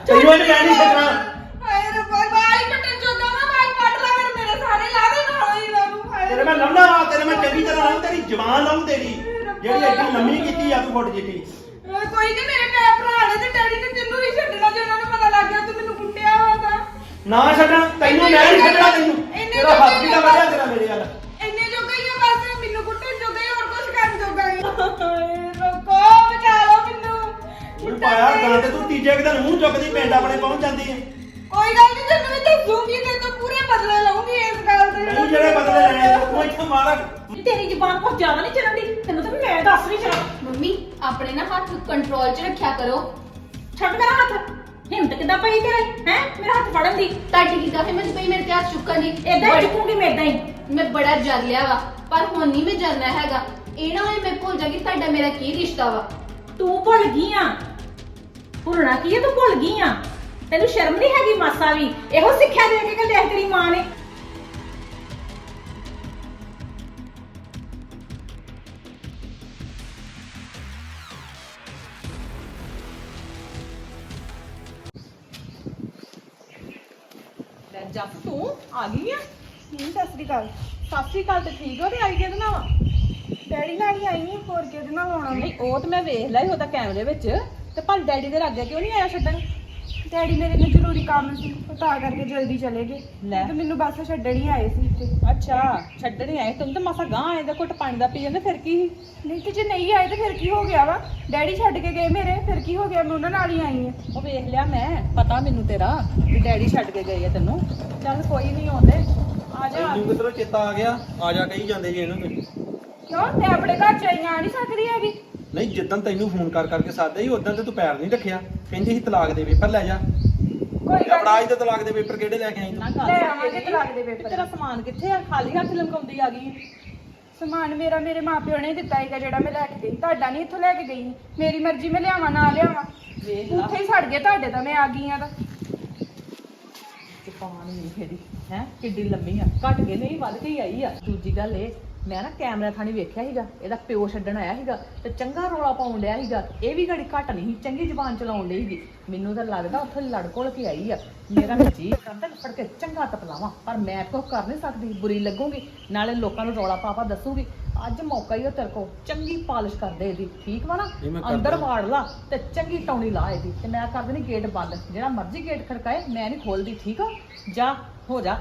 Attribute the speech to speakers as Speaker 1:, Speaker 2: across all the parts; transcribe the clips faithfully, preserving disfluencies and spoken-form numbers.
Speaker 1: ਤੈਨੂੰ ਇਹ ਮੈਂ ਨਹੀਂ ਛੱਡਣਾ।
Speaker 2: ਹਾਏ ਰੱਬਾ ਬਾਈ ਕੱਟਣ ਜੋਗਾ ਵਾ ਬਾਈ ਕੱਟ ਲਾ ਫਿਰ ਮੇਰੇ ਸਾਰੇ ਲਾ ਦੇ ਨਾਲ ਹੀ ਲਾਉਂ ਹਾਏ
Speaker 1: ਤੇਰੇ ਮੈਂ ਲੰਮਾ ਵਾ ਤੇਰੇ ਮੈਂ ਚੰਗੀ ਤਰ੍ਹਾਂ ਲਾਉਂ ਤੇਰੀ ਜਵਾਨ ਲਾਉਂ ਤੇਰੀ ਜਿਹੜੀ ਐਡੀ ਲੰਮੀ ਕੀਤੀ ਆ ਤੂੰ ਫੁੱਟ ਜਿੱਤੀ।
Speaker 2: ਕੋਈ ਨਹੀਂ ਮੇਰੇ ਭੈ ਭਰਾ ਨੇ ਤੇ ਡੈਡੀ ਨੇ ਤੈਨੂੰ ਵੀ ਛੱਡਣਾ ਜੇ ਉਹਨਾਂ ਨੂੰ ਪਤਾ ਲੱਗ ਗਿਆ ਤੂੰ ਮੈਨੂੰ ਕੁੱਟਿਆ ਵਾ ਤਾਂ
Speaker 1: ਨਾ ਛੱਡਣ ਤੈਨੂੰ ਮੈਂ ਨਹੀਂ ਛੱਡਣਾ ਤੈਨੂੰ ਤੇਰਾ ਹੱਥ ਵੀ ਤਾਂ ਵੱਜਿਆ ਤੇਰਾ ਮੇਰੇ ਵੱਲ।
Speaker 2: ਇੰਨੇ ਜੋਗਾ ਹੀ ਆ ਬਸ ਮੈਨੂੰ ਕੁੱਟਣ ਜੋਗਾ ਹੀ ਹੋਰ ਕੁਝ ਕਰਨ ਜੋਗਾ ਹੀ ਹਾਏ ਰੁਕੋ ਬਚਾ ਲਓ ਮੈਨੂੰ
Speaker 1: ਤੂੰ ਪਾਇਆ ਗਾਂ ਤੇ ਤੂੰ ਤੀਜੇ ਦਿਨ ਮੂੰਹ ਚੁੱਕਦੀ ਪਿੰਡ ਆਪਣੇ ਪਹੁੰਚ ਜਾਂਦੀ ਹੈ।
Speaker 2: ਕੋਈ ਗੱਲ ਨਹੀਂ ਤੈਨੂੰ ਵੀ ਦੱਸੂਗੀ ਤੇ ਤੂੰ ਪੂਰੇ ਬਦਲੇ ਲਊਂਗੀ ਇਸ ਗੱਲ ਦੇ
Speaker 1: ਨਹੀਂ ਜਿਹੜੇ ਬਦਲੇ ਲੈਣੇ ਤੂੰ ਇੱਥੇ ਮਾਰ।
Speaker 3: ਤੇਰੀ ਜ਼ੁਬਾਨ ਕੁਝ ਜ਼ਿਆਦਾ ਨਹੀਂ ਚੱਲਦੀ ਤੈਨੂੰ ਤਾਂ ਮੈਂ ਦੱਸ ਨਹੀਂ ਚਾਹ।
Speaker 4: ਮੰਮੀ ਆਪਣੇ ਨਾ ਹੱਥ ਕੰਟਰੋਲ 'ਚ ਰੱਖਿਆ ਕਰੋ।
Speaker 3: ਛੱਡ ਮੇਰਾ ਹੱਥ ਹਿੰਮਤ ਕਿੱਦਾਂ ਪਈ ਤੇਰੇ ਹੈ ਮੇਰਾ ਹੱਥ ਫੜਨ ਦੀ।
Speaker 4: ਤੁਹਾਡੀ ਕਿਦਾਂ ਹਿੰਮਤ ਪਈ ਮੇਰੇ ਤੇ ਹੱਥ ਚੁੱਕਣ ਦੀ?
Speaker 3: ਏਦਾਂ ਹੀ ਚੁੱਕੂਗੀ ਮੈਂ ਏਦਾਂ ਹੀ।
Speaker 4: ਮੈਂ ਬੜਾ ਜਰ ਲਿਆ ਵਾ ਪਰ ਹੁਣ ਨਹੀਂ ਮੈਂ ਜਰਨਾ ਹੈਗਾ। ਇਹ ਨਾ ਹੋਏ ਮੈਂ ਭੁੱਲ ਜਾਗੀ ਤੁਹਾਡਾ ਮੇਰਾ ਕੀ ਰਿਸ਼ਤਾ ਵਾ।
Speaker 3: ਤੂੰ ਭੁੱਲ ਗਈ ਆ ਭੁੱਲਣਾ ਕੀ ਹੈ ਤੂੰ ਭੁੱਲ ਗਈ ਆ ਤੈਨੂੰ ਸ਼ਰਮ ਨਹੀਂ ਹੈਗੀ ਮਾਸਾ ਵੀ। ਇਹੋ ਸਿੱਖਿਆ ਦੇ ਕੇ ਕਿ ਲੈ ਤੇਰੀ ਮਾਂ ਨੇ।
Speaker 5: ਜੱਸ ਤੂੰ ਆ ਗਈ ਆ?
Speaker 2: ਨਹੀਂ ਸਤਿ ਸ੍ਰੀ ਅਕਾਲ।
Speaker 5: ਸਤਿ ਸ਼੍ਰੀ ਅਕਾਲ ਤੇ ਠੀਕ ਹੋ ਤੇ ਆਈ ਕਿਹਦੇ ਨਾਲ ਵਾ?
Speaker 2: ਡੈਡੀ ਨਾਲ ਹੀ ਆਈ ਹਾਂ ਹੋਰ ਕਿਹਦੇ ਨਾਲ ਆਉਣਾ ਮੈਂ।
Speaker 5: ਨਹੀਂ ਉਹ ਤੇ ਮੈਂ ਵੇਖ ਲਿਆ ਸੀ ਉਹਦਾ ਕੈਮਰੇ ਵਿੱਚ ਤੇ ਪਰ ਡੈਡੀ ਦੇ ਲਾਗੇ ਕਿਉਂ ਨਹੀਂ ਆਇਆ ਛੱਡਣ?
Speaker 2: ਡੈਡੀ ਮੇਰੇ ਨੂੰ ਜ਼ਰੂਰੀ ਕੰਮ ਸੀ ਉਹ ਤਾਂ ਕਰਕੇ ਜਲਦੀ ਚਲੇ ਗਏ
Speaker 5: ਲੈ।
Speaker 2: ਤੇ ਮੈਨੂੰ ਬੱਸ ਛੱਡਣ ਹੀ ਆਏ ਸੀ ਇੱਥੇ।
Speaker 5: ਅੱਛਾ ਛੱਡਣ ਹੀ ਆਏ ਤੈਨੂੰ ਤਾਂ ਮਾਸਾ ਗਾਂ ਆਏ ਦਾ ਘੁੱਟ ਪਾਣੀ ਦਾ ਪੀ ਜਾਂਦੇ ਫਿਰ ਕੀ ਸੀ?
Speaker 2: ਨਹੀਂ ਤੇ ਜੇ ਨਹੀਂ ਆਏ ਤੇ ਫਿਰ ਕੀ ਹੋ ਗਿਆ ਵਾ? ਡੈਡੀ ਛੱਡ ਕੇ ਗਏ ਮੇਰੇ ਫਿਰ ਕੀ ਹੋ ਗਿਆ ਮੈਂ ਉਹਨਾਂ ਨਾਲ ਹੀ ਆਈ ਹਾਂ।
Speaker 5: ਉਹ ਵੇਖ ਲਿਆ ਮੈਂ ਪਤਾ ਮੈਨੂੰ ਤੇਰਾ ਵੀ ਡੈਡੀ ਛੱਡ ਕੇ ਗਏ ਆ ਤੈਨੂੰ। ਚੱਲ ਕੋਈ ਨਹੀਂ ਆਉਂਦੇ ਆ ਜਾ।
Speaker 1: ਤੈਨੂੰ ਕਿਧਰੋਂ ਚੇਤਾ ਆ ਗਿਆ ਆ ਜਾ ਕਹੀ ਜਾਂਦੇ ਜੀ ਇਹਨੂੰ ਤੁਸੀਂ।
Speaker 2: ਕਿਉਂ ਮੈਂ ਆਪਣੇ ਘਰ ਚ ਆਈ ਆ ਨਹੀਂ ਸਕਦੀ ਹੈਗੀ?
Speaker 1: ਨਹੀਂ ਜਿੱਦਣ ਤੈਨੂੰ ਫੋਨ ਕਰ ਕਰਕੇ ਸਾਦਾ ਸੀ ਉਦੋਂ ਤੇ ਤੂੰ ਪੈਰ ਨਹੀਂ ਰੱਖਿਆ। ਕਹਿੰਦੀ ਸੀ ਤਲਾਕ ਦੇ ਪੇਪਰ ਲੈ ਜਾ।
Speaker 2: ਕੋਈ ਗੱਲ
Speaker 1: ਅਪਰਾਜ ਦੇ ਤਲਾਕ ਦੇ ਪੇਪਰ ਕਿਹੜੇ ਲੈ ਕੇ ਆਈ
Speaker 5: ਨਾ
Speaker 1: ਤੂੰ?
Speaker 5: ਗੱਲ
Speaker 2: ਲੈ
Speaker 5: ਸੁਣ
Speaker 2: ਆਵਾਂਗੇ
Speaker 5: ਮੇਰੀ।
Speaker 2: ਤਲਾਕ ਦੇ
Speaker 5: ਤੇ
Speaker 2: ਪੇਪਰ।
Speaker 5: ਤੇਰਾ ਸਮਾਨ ਕਿੱਥੇ ਆ? ਖਾਲੀ ਹੱਥ ਲਮਕਾਉਂਦੀ ਆ ਗਈ।
Speaker 2: ਸਮਾਨ ਮੇਰਾ ਮੇਰੇ ਮਾਪਿਓ ਨੇ ਦਿੱਤਾ ਹੈਗਾ ਜਿਹੜਾ ਮੈਂ ਲੈ ਕੇ ਗਈ। ਤੁਹਾਡਾ ਨਹੀਂ ਇੱਥੋਂ ਲੈ ਕੇ ਗਈ। ਮੇਰੀ ਮਰਜ਼ੀ ਮੈਂ ਲਿਆਵਾਂ ਨਾ ਲਿਆਵਾਂ।
Speaker 5: ਵੇਖ ਲਾ
Speaker 2: ਉੱਥੇ ਹੀ ਛੱਡ ਗਏ ਤੁਹਾਡੇ ਤਾਂ ਮੈਂ ਆ ਗਈ ਆ ਤਾਂ।
Speaker 5: ਜਪਾਨ ਨਹੀਂ ਫੇਰੀ ਹੈ ਕਿੱਡੀ ਲੰਮੀ ਆ ਘਟ ਕੇ ਨਹੀਂ ਵੱਧ ਕੇ ਹੀ ਆਈ ਆ। ਦੂਜੀ ਗੱਲ ਇਹ ਮੈਂ ਨਾ ਕੈਮਰਾ ਥਾਣੀ ਵੇਖਿਆ ਸੀਗਾ ਇਹਦਾ ਪਿਓ ਛੱਡਣ ਆਇਆ ਸੀਗਾ ਤੇ ਚੰਗਾ ਰੋਲਾ ਪਾਉਣ ਡਿਆ ਸੀਗਾ। ਇਹ ਵੀ ਘੜੀ ਘਟ ਨਹੀਂ ਸੀ ਚੰਗੀ ਜ਼ਬਾਨ ਚਲਾਉਣ ਲਈ ਸੀਗੀ। ਮੈਨੂੰ ਤਾਂ ਲੱਗਦਾ ਉੱਥੇ ਲੜ ਘੁਲ ਕੇ ਆਈ ਆ। ਮੇਰਾ ਜੀ ਕਰਦਾ ਫੜ ਕੇ ਚੰਗਾ ਤਪਲਾਵਾਂ ਪਰ ਮੈਂ ਕੁਝ ਕਰ ਨਹੀਂ ਸਕਦੀ ਬੁਰੀ ਲੱਗੂਗੀ ਨਾਲੇ ਲੋਕਾਂ ਨੂੰ ਰੌਲਾ ਪਾਪਾ ਦੱਸੂਗੀ। ਅੱਜ ਮੌਕਾ ਹੀ ਆ ਤੇਰੇ ਕੋਲ ਚੰਗੀ ਪਾਲਿਸ਼ ਕਰਦੇ ਇਹਦੀ ਠੀਕ ਵਾ ਨਾ?
Speaker 1: ਇਹ ਮੈਂ ਕਰਦਾ।
Speaker 5: ਅੰਦਰ ਵਾੜ ਲਾ ਤੇ ਚੰਗੀ ਟੌਣੀ ਲਾ ਇਹਦੀ ਤੇ ਮੈਂ ਕਰ ਦੇਣੀ ਗੇਟ ਬੰਦ। ਜਿਹੜਾ ਮਰਜ਼ੀ ਗੇਟ ਖੜਕਾਏ ਮੈਂ ਨਹੀਂ ਖੋਲਦੀ ਠੀਕ ਆ? ਜਾ ਹੋ ਜਾ।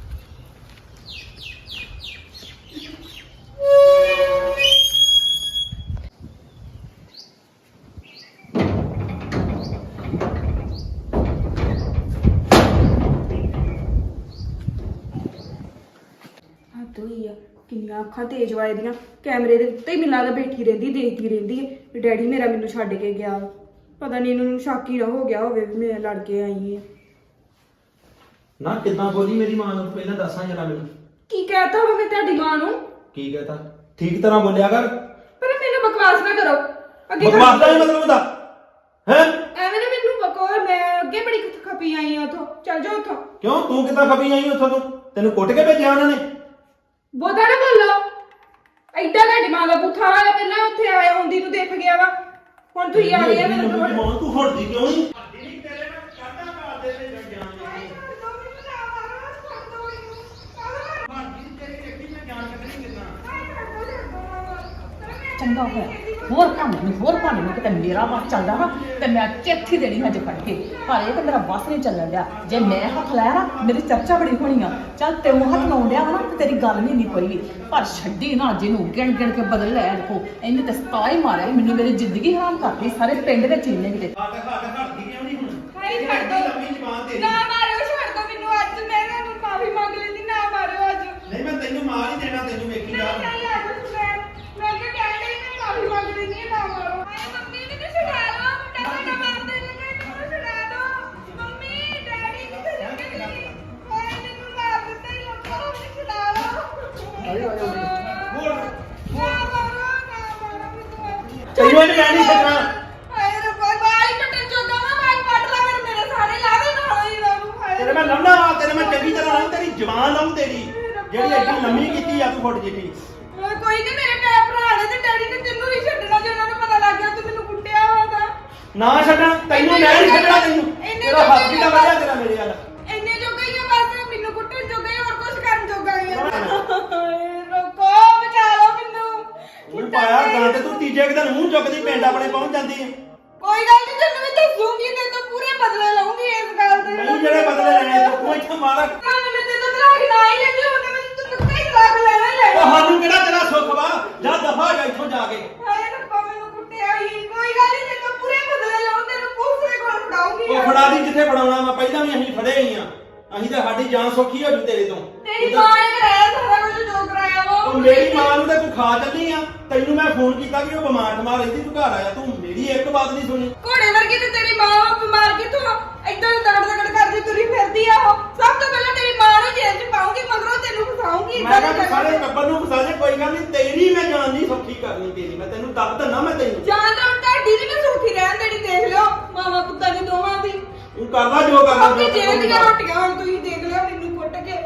Speaker 2: ਹੱਦ ਹੋਈ ਆ ਕਿੰਨੀਆਂ ਅੱਖਾਂ ਤੇਜ਼ ਵਾਲੇ ਦੀਆਂ। ਕੈਮਰੇ ਦੇ ਉੱਤੇ ਹੀ ਮਿਲਾ ਕੇ ਬੈਠੀ ਰਹਿੰਦੀ ਦੇਖਦੀ ਰਹਿੰਦੀ ਹੈ ਵੀ ਡੈਡੀ ਮੇਰਾ ਮੈਨੂੰ ਛੱਡ ਕੇ ਗਿਆ। ਪਤਾ ਨਹੀਂ ਇਹਨੂੰ ਸ਼ੱਕ ਹੀ ਨਾ ਹੋ ਗਿਆ ਹੋਵੇ ਵੀ ਮੈਂ ਲੜ ਕੇ ਆਈ ਹਾਂ।
Speaker 1: ਨਾ ਕਿੱਦਾਂ ਬੋਲੀ ਮੇਰੀ ਮਾਂ ਨੂੰ ਪਹਿਲਾਂ ਦੱਸਾਂ ਜਰਾ ਮੈਨੂੰ।
Speaker 2: ਕੀ ਕਹਿਤਾ ਹੋਵੇ ਮੈਂ ਤੁਹਾਡੀ ਮਾਂ ਨੂੰ?
Speaker 1: ਕੀ ਕਹਤਾ? ਠੀਕ ਤਰ੍ਹਾਂ ਬੋਲਿਆ ਕਰ।
Speaker 2: ਪਰ ਮੈਨੂੰ ਬਕਵਾਸ ਨਾ ਕਰੋ ਅੱਗੇ।
Speaker 1: ਬਕਵਾਸ ਦਾ ਹੀ ਮਤਲਬ ਹੁੰਦਾ ਹੈ?
Speaker 2: ਐਵੇਂ ਨਾ ਮੈਨੂੰ ਬਕੋ ਮੈਂ ਅੱਗੇ ਬੜੀ ਖਪੀ ਆਈ ਆ ਉਥੋਂ। ਚੱਲ ਜਾ ਉਥੋਂ।
Speaker 1: ਕਿਉਂ ਤੂੰ ਕਿੱਦਾਂ ਖਪੀ ਆਈ ਉੱਥੋਂ? ਤੂੰ ਤੈਨੂੰ ਕੁੱਟ ਕੇ ਭੇਜਿਆ ਉਹਨਾਂ ਨੇ?
Speaker 2: ਬੋਦਾ ਨਾ ਬੋਲੋ। ਐਡਾ ਤੁਹਾਡੀ ਮਾਂ ਦਾ ਪੁੱਠਾ ਆਇਆ ਪਹਿਲਾਂ ਉੱਥੇ ਆਇਆ ਹੁੰਦੀ ਨੂੰ ਦੇਖ ਗਿਆ ਵਾ। ਹੁਣ ਤੁਸੀਂ ਆ ਗਏ ਆ ਮੈਨੂੰ
Speaker 1: ਤੂੰ
Speaker 2: ਤਾਂ
Speaker 1: ਮਾਂ ਤੂੰ ਹਟਦੀ ਕਿਉਂ ਨਹੀਂ? ਹਟਦੀ ਤੇਰੇ ਨਾਲ ਕਰਦਾ ਕਰ ਦੇ ਤੇ ਜਾਨ ਦੇ। ਹਟਦੀ ਤੇਰੇ ਕਿੱਡੀ ਮੈਂ ਜਾਨ ਕੱਢਣੀ ਕਿੱਦਾਂ?
Speaker 5: ਚੰਗਾ ਹੋਇਆ ਹੋਰ ਭਾਣੇ ਨੂੰ ਹੋਰ ਭਾਣੇ ਨੂੰ ਕਿਤੇ ਮੇਰਾ ਵੱਸ ਚੱਲਦਾ ਨਾ ਤੇ ਮੈਂ ਚਿੱਠੀ ਦੇਣੀ ਹਜੇ ਫੜ ਕੇ। ਪਰ ਇਹ ਤਾਂ ਮੇਰਾ ਵੱਸ ਨਹੀਂ ਚੱਲਣ ਡਿਆ। ਜੇ ਮੈਂ ਹੱਥ ਲਾਇਆ ਨਾ ਮੇਰੀ ਚਰਚਾ ਬੜੀ ਹੋਣੀ ਆ। ਚੱਲ ਤੈਨੂੰ ਹੱਥ ਲਾਉਣ ਡਿਆ ਵਾ ਨਾ ਤੇ ਤੇਰੀ ਗੱਲ ਨਹੀਂ ਨਹੀਂ ਕੋਈ ਵੀ। ਪਰ ਛੱਡੀ ਨਾ ਜਿਹਨੂੰ ਗਿਣ ਗਿਣ ਕੇ ਬਦਲ ਲਿਆ ਦੇਖੋ ਇਹਨੇ ਤੇ ਸਤਾ ਹੀ ਮਾਰਿਆ ਮੈਨੂੰ ਮੇਰੀ ਜ਼ਿੰਦਗੀ ਹਰਾਮ ਕਰਤੀ ਸਾਰੇ ਪਿੰਡ ਵਿੱਚ ਇੰਨੇ ਕਿਤੇ।
Speaker 1: ਹੱਟ ਹੱਟ ਹਟਦੀ ਕਿਉਂ ਨਹੀਂ ਹੁਣ?
Speaker 2: ਹਾਏ ਛੱਡ ਦੋ।
Speaker 1: ਲੰਮੀ ਜ਼ਬਾਨ ਤੇਰੀ।
Speaker 2: ਨਾ ਮਾਰਿਓ ਛੱਡ ਦੋ ਮੈਨੂੰ ਅੱਜ। ਮੈਂ ਤੁਹਾਨੂੰ ਮਾਫੀ ਮੰਗ ਲੈਂਦੀ। ਨਾ ਮਾਰਿਓ ਅੱਜ।
Speaker 1: ਨਹੀਂ ਮੈਂ ਤੈਨੂੰ ਮਾਰ ਹੀ ਦੇਣਾ ਤੈਨੂੰ ਵੇਖੀ ਜਾ।
Speaker 2: ਨਹੀਂ ਨਹੀਂ ਆ ਜਾਓ ਮੈਂ ਮੈਂ ਕਿ ਕਹਿਣ ਡਈ ਮੈਂ ਮਾਫੀ ਮੰਗ ਲੈਂਦੀ ਹਾਂ। ਨਾ ਮਾਰੋ। ਹਾਏ ਮੰਮੀ ਮੈਨੂੰ ਛੁਡਾ ਲਓ। ਮੁੰਡਾ ਸਾਡਾ ਮਾਰ ਦੇਣਗੇ। ਮੈਨੂੰ ਛੁਡਾ ਦਿਓ। ਮੰਮੀ ਡੈਡੀ ਕਿੱਥੇ ਚਲੇ ਗਏ? ਹਾਏ ਮੈਨੂੰ ਮਾਰ ਦਿੱਤਾ ਹੀ ਲੋਕਾਂ ਨੇ। ਮੈਨੂੰ ਛੁਡਾ ਲਓ।
Speaker 1: ਆਇਓ ਆਇਓ ਬੋਲ
Speaker 2: ਨਾ ਮਾਰੋ ਨਾ ਮਾਰੋ ਮੈਨੂੰ।
Speaker 1: ਤੈਨੂੰ ਇਹ ਮੈਂ ਨਹੀਂ ਛੱਡਣਾ।
Speaker 2: ਹਾਏ ਰੱਬਾ ਬਾਈ ਕੱਟਣ ਜੋਗਾ ਵਾ ਬਾਈ ਕੱਟ ਲਾ ਫਿਰ ਮੇਰੇ ਸਾਰੇ ਲਾ ਦੇ ਨਾਲ ਹੀ ਲਾਉਂ। ਹਾਏ
Speaker 1: ਤੇਰੇ ਮੈਂ ਲੰਮਾ ਵਾ ਤੇਰੇ ਮੈਂ ਚੰਗੀ ਤਰ੍ਹਾਂ ਲਾਉਂ ਤੇਰੀ ਜਵਾਨ ਲਾਉਂ ਤੇਰੀ ਜਿਹੜੀ ਐਡੀ ਲੰਮੀ ਕੀਤੀ ਆ ਤੂੰ ਫੁੱਟ ਜਿੱਤੀ।
Speaker 2: ਕੋਈ ਨਹੀਂ ਮੇਰੇ ਭੈ ਭਰਾ ਨੇ ਤੇ ਡੈਡੀ ਨੇ ਤੈਨੂੰ ਵੀ ਛੱਡਣਾ ਜੇ ਉਹਨਾਂ ਨੂੰ ਪਤਾ ਲੱਗ ਗਿਆ ਤੂੰ ਮੈਨੂੰ ਕੁੱਟਿਆ ਵਾ ਤਾਂ।
Speaker 1: ਨਾ ਛੱਡਣ ਤੈਨੂੰ ਮੈਂ ਨਹੀਂ ਛੱਡਣਾ ਤੈਨੂੰ
Speaker 2: ਇੰਨੇ
Speaker 1: ਤੇਰਾ ਪਿੰਡ ਆਪਣੇ ਪਹੁੰਚ ਜਾਂਦੀ ਹੈ।
Speaker 2: ਕੋਈ ਗੱਲ ਨਹੀਂ ਤੈਨੂੰ ਮੈਂ ਦੱਸੂਗੀ ਤੇ ਤੂੰ ਪੂਰੇ ਬਦਲੇ ਲਊਂਗੀ ਇਸ ਗੱਲ ਦੇ
Speaker 1: ਨਹੀਂ ਜਿਹੜੇ ਬਦਲੇ ਲੈਣੇ ਤੂੰ ਇੱਥੇ ਮਾਰ ਉਹ
Speaker 2: ਤੁਹਾਨੂੰ ਮੈਂ ਤੇ ਤਲਾਕ ਨਾ ਹੀ ਲੈਂਦੀ ਉਹਨੇ ਮੈਂ ਤੈਨੂੰ ਕਈ ਤਲਾਕ ਲੈਣਾ ਹੀ ਲੈਣਾ
Speaker 1: ਸਾਨੂੰ ਕਿਹੜਾ ਤੇਰਾ ਸੁੱਖ ਵਾ ਜਾ ਦਫਾ ਜਾ ਇੱਥੋਂ ਜਾ ਕੇ।
Speaker 2: ਹਾਏ ਰੱਬਾ ਮੈਨੂੰ ਕੁੱਟਿਆ ਹੀ ਕੋਈ ਗੱਲ ਨਹੀਂ ਤੈਨੂੰ ਪੂਰੇ ਬਦਲੇ ਲਊਂ ਤੈਨੂੰ ਪੁਲਿਸ ਦੇ ਕੋਲ ਫੜਾਉਂਗੀ
Speaker 1: ਉਹ ਫੜਾ ਦੀ ਜਿੱਥੇ ਫੜਾਉਣਾ ਵਾ ਪਹਿਲਾਂ ਵੀ ਅਸੀਂ ਫੜੇ ਹੀ ਆ ਅਸੀਂ ਤਾਂ ਸਾਡੀ ਜਾਨ ਸੌਖੀ ਹੋ ਜੂ ਤੇਰੇ ਤੋਂ।
Speaker 2: ਤੇਰੀ ਮਾਂ ਨੇ ਕਰਾਇਆ ਸਾਰਾ ਕੁਝ ਜੋ ਕਰਾਇਆ ਵਾ
Speaker 1: ਉਹ ਮੇਰੀ ਮਾਂ ਨੂੰ ਤਾਂ ਤੂੰ ਖਾ ਚੱਲੀ ਆ ਤੈਨੂੰ ਮੈਂ ਫੋਨ ਕੀਤਾ ਕਿ ਉਹ ਬਿਮਾਰ ਠਮਾਰ ਰਹਿੰਦੀ ਤੂੰ ਘਰ ਆਇਆ ਤੂੰ ਮੇਰੀ ਇੱਕ ਬਾਤ ਨਹੀਂ ਸੁਣੀ।
Speaker 2: ਘੋੜੇ ਵਰਗੀ ਤੇ ਤੇਰੀ ਮਾਂ ਵਾ ਬਿਮਾਰ ਕਿਥੋਂ ਏਦਾਂ ਦਗੜ ਦਗੜ ਕਰਦੀ ਤੁਰੀ ਫਿਰਦੀ ਆ ਉਹ ਸਭ ਤੋਂ ਪਹਿਲਾਂ ਤੇਰੀ ਮਾਂ ਨੂੰ ਜੇਲ੍ਹ 'ਚ ਪਾਉਂਗੀ ਮਗਰੋਂ ਤੈਨੂੰ ਫਸਾਉਂਗੀ
Speaker 1: ਮੈਂ ਕਿਹਾ ਤੂੰ ਸਾਰੇ ਟੱਬਰ ਨੂੰ ਫਸਾ ਦੇ ਕੋਈ ਗੱਲ ਨਹੀਂ ਤੇਰੀ ਮੈਂ ਜਾਨ ਨਹੀਂ ਸੌਖੀ ਕਰਨੀ ਤੇਰੀ ਮੈਂ ਤੈਨੂੰ ਦੱਸ ਦਿੰਦਾ ਮੈਂ ਤੈਨੂੰ
Speaker 2: ਜਾਨ ਤਾਂ ਹੁਣ ਤੁਹਾਡੀ ਵੀ ਮੈਂ ਸੁਖੀ ਰਹਿਣ ਦੇਣੀ ਦੇਖ ਲਿਓ ਮਾਵਾ ਪੁੱਤਾਂ ਦੀ ਦੋਵਾਂ ਦੀ
Speaker 1: ਤੂੰ ਕਰਦਾ ਜੋ ਕਰਨਾ
Speaker 2: ਆਪਣੀ ਜੇਲ੍ਹ ਦੀਆਂ ਰੋਟੀਆਂ ਹੁਣ ਤੁਸੀਂ ਦੇਖ ਲਿਓ ਮੈਨੂੰ ਕੁੱਟ ਕੇ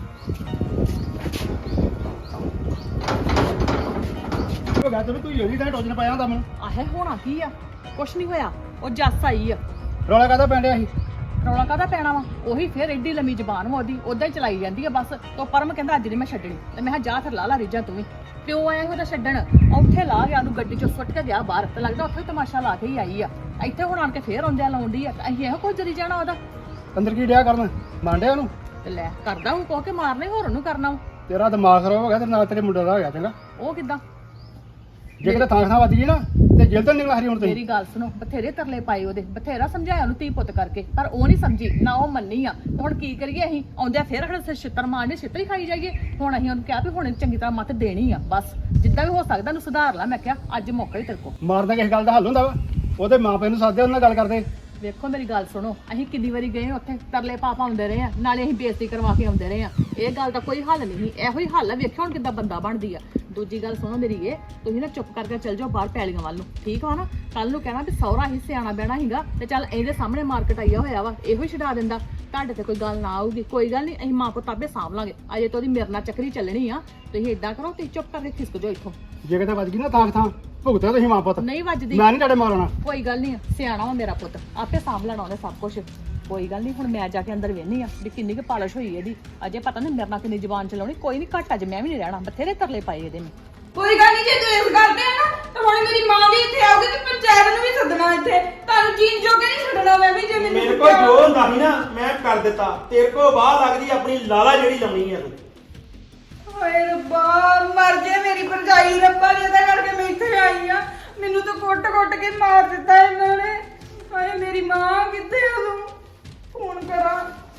Speaker 6: ਹੋ ਗਿਆ ਤੈਨੂੰ ਤੂੰ ਯੋਗੀ ਦਾ ਟੋਜਨ ਪਾਇਆ ਹੁੰਦਾ ਮੈਨੂੰ
Speaker 5: ਆਹੇ ਹੋਣਾ ਕੀ ਆ ਕੁਛ ਨਹੀਂ ਹੋਇਆ ਉਹ ਜੱਸ ਆਈ ਆ
Speaker 6: ਰੌਲਾ ਕਾਹਦਾ ਪੈਂਡਿਆ ਸੀ
Speaker 5: ਰੌਲਾ ਕਾਹਦਾ ਪੈਣਾ ਵਾ ਉਹੀ ਫੇਰ ਐਡੀ ਲੰਮੀ ਜ਼ਬਾਨ ਵਾ ਉਹਦੀ ਉਦਾਂ ਹੀ ਚਲਾਈ ਜਾਂਦੀ ਆ ਬਸ ਤੋ ਪਰਮ ਕਹਿੰਦਾ ਅੱਜ ਨਹੀਂ ਮੈਂ ਛੱਡਣੀ ਤੇ ਮੈਂ ਕਿਹਾ ਜਾ ਫਿਰ ਲਾ ਲਾ ਰੀਜਾਂ ਤੂੰ ਵੀ ਪਿਓ ਆਇਆ ਸੀ ਉਹਦਾ ਛੱਡਣ ਉੱਥੇ ਲਾ ਗਿਆ ਉਹਨੂੰ ਗੱਡੀ ਚੋਂ ਸੁੱਟ ਕੇ ਗਿਆ ਬਾਹਰ ਤੇ ਲੱਗਦਾ ਉੱਥੇ ਤਮਾਸ਼ਾ ਲਾ ਕੇ ਹੀ ਆਈ ਆ ਇੱਥੇ ਹੁਣ ਆਣ ਕੇ ਫੇਰ ਆਉਂਦਿਆਂ ਲਾਉਂਦੀ ਆ ਅਸੀਂ ਇਹੋ ਕੁਝ ਜਰੀ ਜਾਣਾ ਉਹਦਾ
Speaker 6: ਅੰਦਰ ਕੀ ਡਿਆ ਕਰਨ ਮੰਡਿਆ ਉਹਨੂੰ
Speaker 5: ਤੇ ਲੈ ਕਰਦਾ ਹੁਣ ਕੋ ਕੇ ਮਾਰਨੇ ਹੋਰ ਉਹਨੂੰ ਕਰਨਾ ਵਾ।
Speaker 6: ਤੇਰਾ ਦਿਮਾਗ ਖਰਾਬ ਹੋ ਗਿਆ ਤੇਰੇ ਨਾਲ ਤੇਰੇ ਮੁੰਡੇ ਦਾ ਹੋ ਗਿਆ ਚੰਗਾ
Speaker 5: ਉਹ ਕਿੱਦਾਂ
Speaker 6: ਜੇ ਕਿਤੇ ਥਾਂ ਥਾਂ ਵੱਜ ਗਈ ਨਾ ਤੇ ਜੇਲ੍ਹ ਤੋਂ ਨਿਕਲ ਹਰੀ ਹੁਣ
Speaker 5: ਮੇਰੀ
Speaker 6: ਤੇਰੀ
Speaker 5: ਗੱਲ ਸੁਣੋ ਬਥੇਰੇ ਤਰਲੇ ਪਾਏ ਉਹਦੇ ਬਥੇਰਾ ਸਮਝਾਇਆ ਉਹਨੂੰ ਧੀ ਪੁੱਤ ਕਰਕੇ ਪਰ ਉਹ ਨਹੀਂ ਸਮਝੀ ਨਾ ਉਹ ਮੰਨੀ ਆ ਤੇ ਹੁਣ ਕੀ ਕਰੀਏ ਅਸੀਂ ਆਉਂਦਿਆਂ ਫੇਰ ਅਗਲੇ ਸਿਰ ਛਿੱਤਰ ਮਾਰਨੇ ਛਿੱਤਰ ਹੀ ਖਾਈ ਜਾਈਏ ਹੁਣ ਅਸੀਂ ਉਹਨੂੰ ਕਿਹਾ ਵੀ ਹੁਣ ਚੰਗੀ ਤਰ੍ਹਾਂ ਮੱਤ ਦੇਣੀ ਆ ਬਸ ਜਿੱਦਾਂ ਵੀ ਹੋ ਸਕਦਾ ਉਹਨੂੰ ਸੁਧਾਰ ਲਾ ਮੈਂ ਕਿਹਾ ਅੱਜ ਮੌਕਾ ਹੀ ਤੇਰੇ ਕੋਲ
Speaker 6: ਮਾਰਦਾ ਕਿਸੇ ਗੱਲ ਦਾ ਹੱਲ ਹੁੰਦਾ ਵਾ ਉਹਦੇ ਮਾਪੇ ਨੂੰ ਸੱਦਦੇ ਉਹਨਾਂ ਨਾਲ ਗੱਲ ਕਰਦੇ
Speaker 5: ਵੇਖੋ ਮੇਰੀ ਗੱਲ ਸੁਣੋ ਅਸੀਂ ਕਿੰਨੀ ਵਾਰੀ ਗਏ ਉੱਥੇ ਤਰਲੇ ਪਾ ਪਾਉਂਦੇ ਰਹੇ ਆ ਨਾਲੇ ਅਸੀਂ ਬੇਇੱਜ਼ਤੀ ਕਰਵਾ ਕੇ ਆਉਂਦੇ ਰਹੇ ਆ ਇਹ ਗੱਲ ਦਾ ਕੋਈ ਹੱਲ ਨਹੀਂ ਇਹੋ ਹੀ ਹੱਲ ਆ ਵੇਖਿਓ ਹੁਣ ਕਿੱਦਾਂ ਬੰਦਾ ਬਣਦੀ ਆ ਦੂਜੀ ਗੱਲ ਸੁਣੋ ਮੇਰੀ ਇਹ ਤੁਸੀਂ ਨਾ ਚੁੱਪ ਕਰਕੇ ਚੱਲ ਜਾਓ ਬਾਹਰ ਪੈਲੀਆਂ ਵੱਲ ਨੂੰ ਠੀਕ ਆ ਨਾ ਕੱਲ ਨੂੰ ਕਹਿਣਾ ਵੀ ਸਹੁਰਾ ਹੀ ਸਿਆਣਾ ਬਹਿਣਾ ਹੀਗਾ ਤੇ ਚੱਲ ਇਹਦੇ ਸਾਹਮਣੇ ਮਾਰਕੀਟ ਆਇਆ ਹੋਇਆ ਵਾ ਇਹੋ ਹੀ ਛਡਾ ਦਿੰਦਾ ਤੁਹਾਡੇ ਤੇ ਕੋਈ ਗੱਲ ਨਾ ਆਊਗੀ ਕੋਈ ਗੱਲ ਨਹੀਂ ਅਸੀਂ ਮਾਂ ਪੁੱਤ ਆਪੇ ਸਾਂਭ ਲਾਂਗੇ ਅਜੇ ਤਾਂ ਉਹਦੀ ਮੇਰੇ ਨਾਲ ਚੱਕਰੀ ਚੱਲਣੀ ਆ ਤੁਸੀਂ ਏਦਾਂ ਕਰੋ ਤੁਸੀਂ ਚੁੱਪ ਕਰਕੇ ਖਿਸਕ ਜਾਓ ਇੱਥੋਂ
Speaker 6: ਜੇ ਕਿਤੇ ਵੱਜ ਗਈ ਨਾ ਥਾਂ ਥਾਂ ਭੁਗਤਿਆ ਤੁਸੀਂ ਮਾਂ ਪੁੱਤ
Speaker 5: ਨਹੀਂ ਵੱਜਦੀ
Speaker 6: ਮੈਂ ਨਹੀਂ ਤੁਹਾਡੇ ਮਾਰਨਾ
Speaker 5: ਕੋਈ ਗੱਲ ਨਹੀਂ ਸਿਆਣਾ ਵਾ ਮੇਰਾ ਪੁੱਤ ਆਪੇ ਸਾਂਭ ਲੈਣਾ ਉਹਨੇ ਸਭ ਕੁਝ ਕੋਈ ਗੱਲ ਨਹੀਂ ਹੁਣ ਮੈਂ ਜਾ ਕੇ ਅੰਦਰ ਵੇਹਨੀ ਆ ਵੀ ਕਿੰਨੀ ਕੁ ਪਾਲਿਸ਼ ਹੋਈ ਇਹਦੀ ਅਜੇ ਪਤਾ ਨਹੀਂ ਮੇਰੇ ਨਾਲ ਕਿੰਨੀ ਜ਼ੁਬਾਨ ਚਲਾਉਣੀ ਕੋਈ ਨਹੀਂ ਘੱਟ ਅੱਜ ਮੈਂ ਵੀ ਨਹੀਂ ਰਹਿਣਾ ਬਥੇਰੇ ਤਰਲੇ ਪਾਏ ਇਹਦੇ ਨੇ
Speaker 2: ਕੋਈ ਗੱਲ ਨਹੀਂ ਜੇ ਤੂੰ ਇਸ ਕਰਦੇ ਆ ਨਾ ਤਾਂ ਹੁਣ ਮੇਰੀ ਮਾਂ ਵੀ ਇੱਥੇ ਆਉਗੀ ਤੇ ਪੰਚਾਇਤ ਨੂੰ ਵੀ ਸੱਦਣਾ ਇੱਥੇ ਤੁਹਾਨੂੰ ਜੀਣ ਜੋਗੇ ਨਹੀਂ ਛੱਡਣਾ ਮੈਂ ਵੀ ਜੇ ਮੈਨੂੰ
Speaker 1: ਮੇਰੇ ਕੋਲ ਜੋ ਹੁੰਦਾ ਸੀ ਨਾ ਮੈਂ ਕਰ ਦਿੱਤਾ ਤੇਰੇ ਕੋਲ ਬਾਹ ਲੱਗਦੀ ਆਪਣੀ ਲਾਲਾ ਜਿਹੜੀ ਲਾਉਣੀ ਆ ਤੂੰ
Speaker 2: ਹਾਏ ਰੱਬਾ ਮਰ ਜੇ ਮੇਰੀ ਭਰਜਾਈ ਰੱਬਾ ਜਿਹਦਾ ਕਰਕੇ ਮੈਂ ਇੱਥੇ ਆਈ ਆ ਮੈਨੂੰ ਤਾਂ ਕੁੱਟ-ਕੁੱਟ ਕੇ ਮਾਰ ਦਿੱਤਾ ਇਹਨਾਂ ਨੇ ਹਾਏ ਮੇਰੀ ਮਾਂ ਕਿੱਥੇ ਆ ਤੂੰ ਫੋਨ ਕਰਾਂ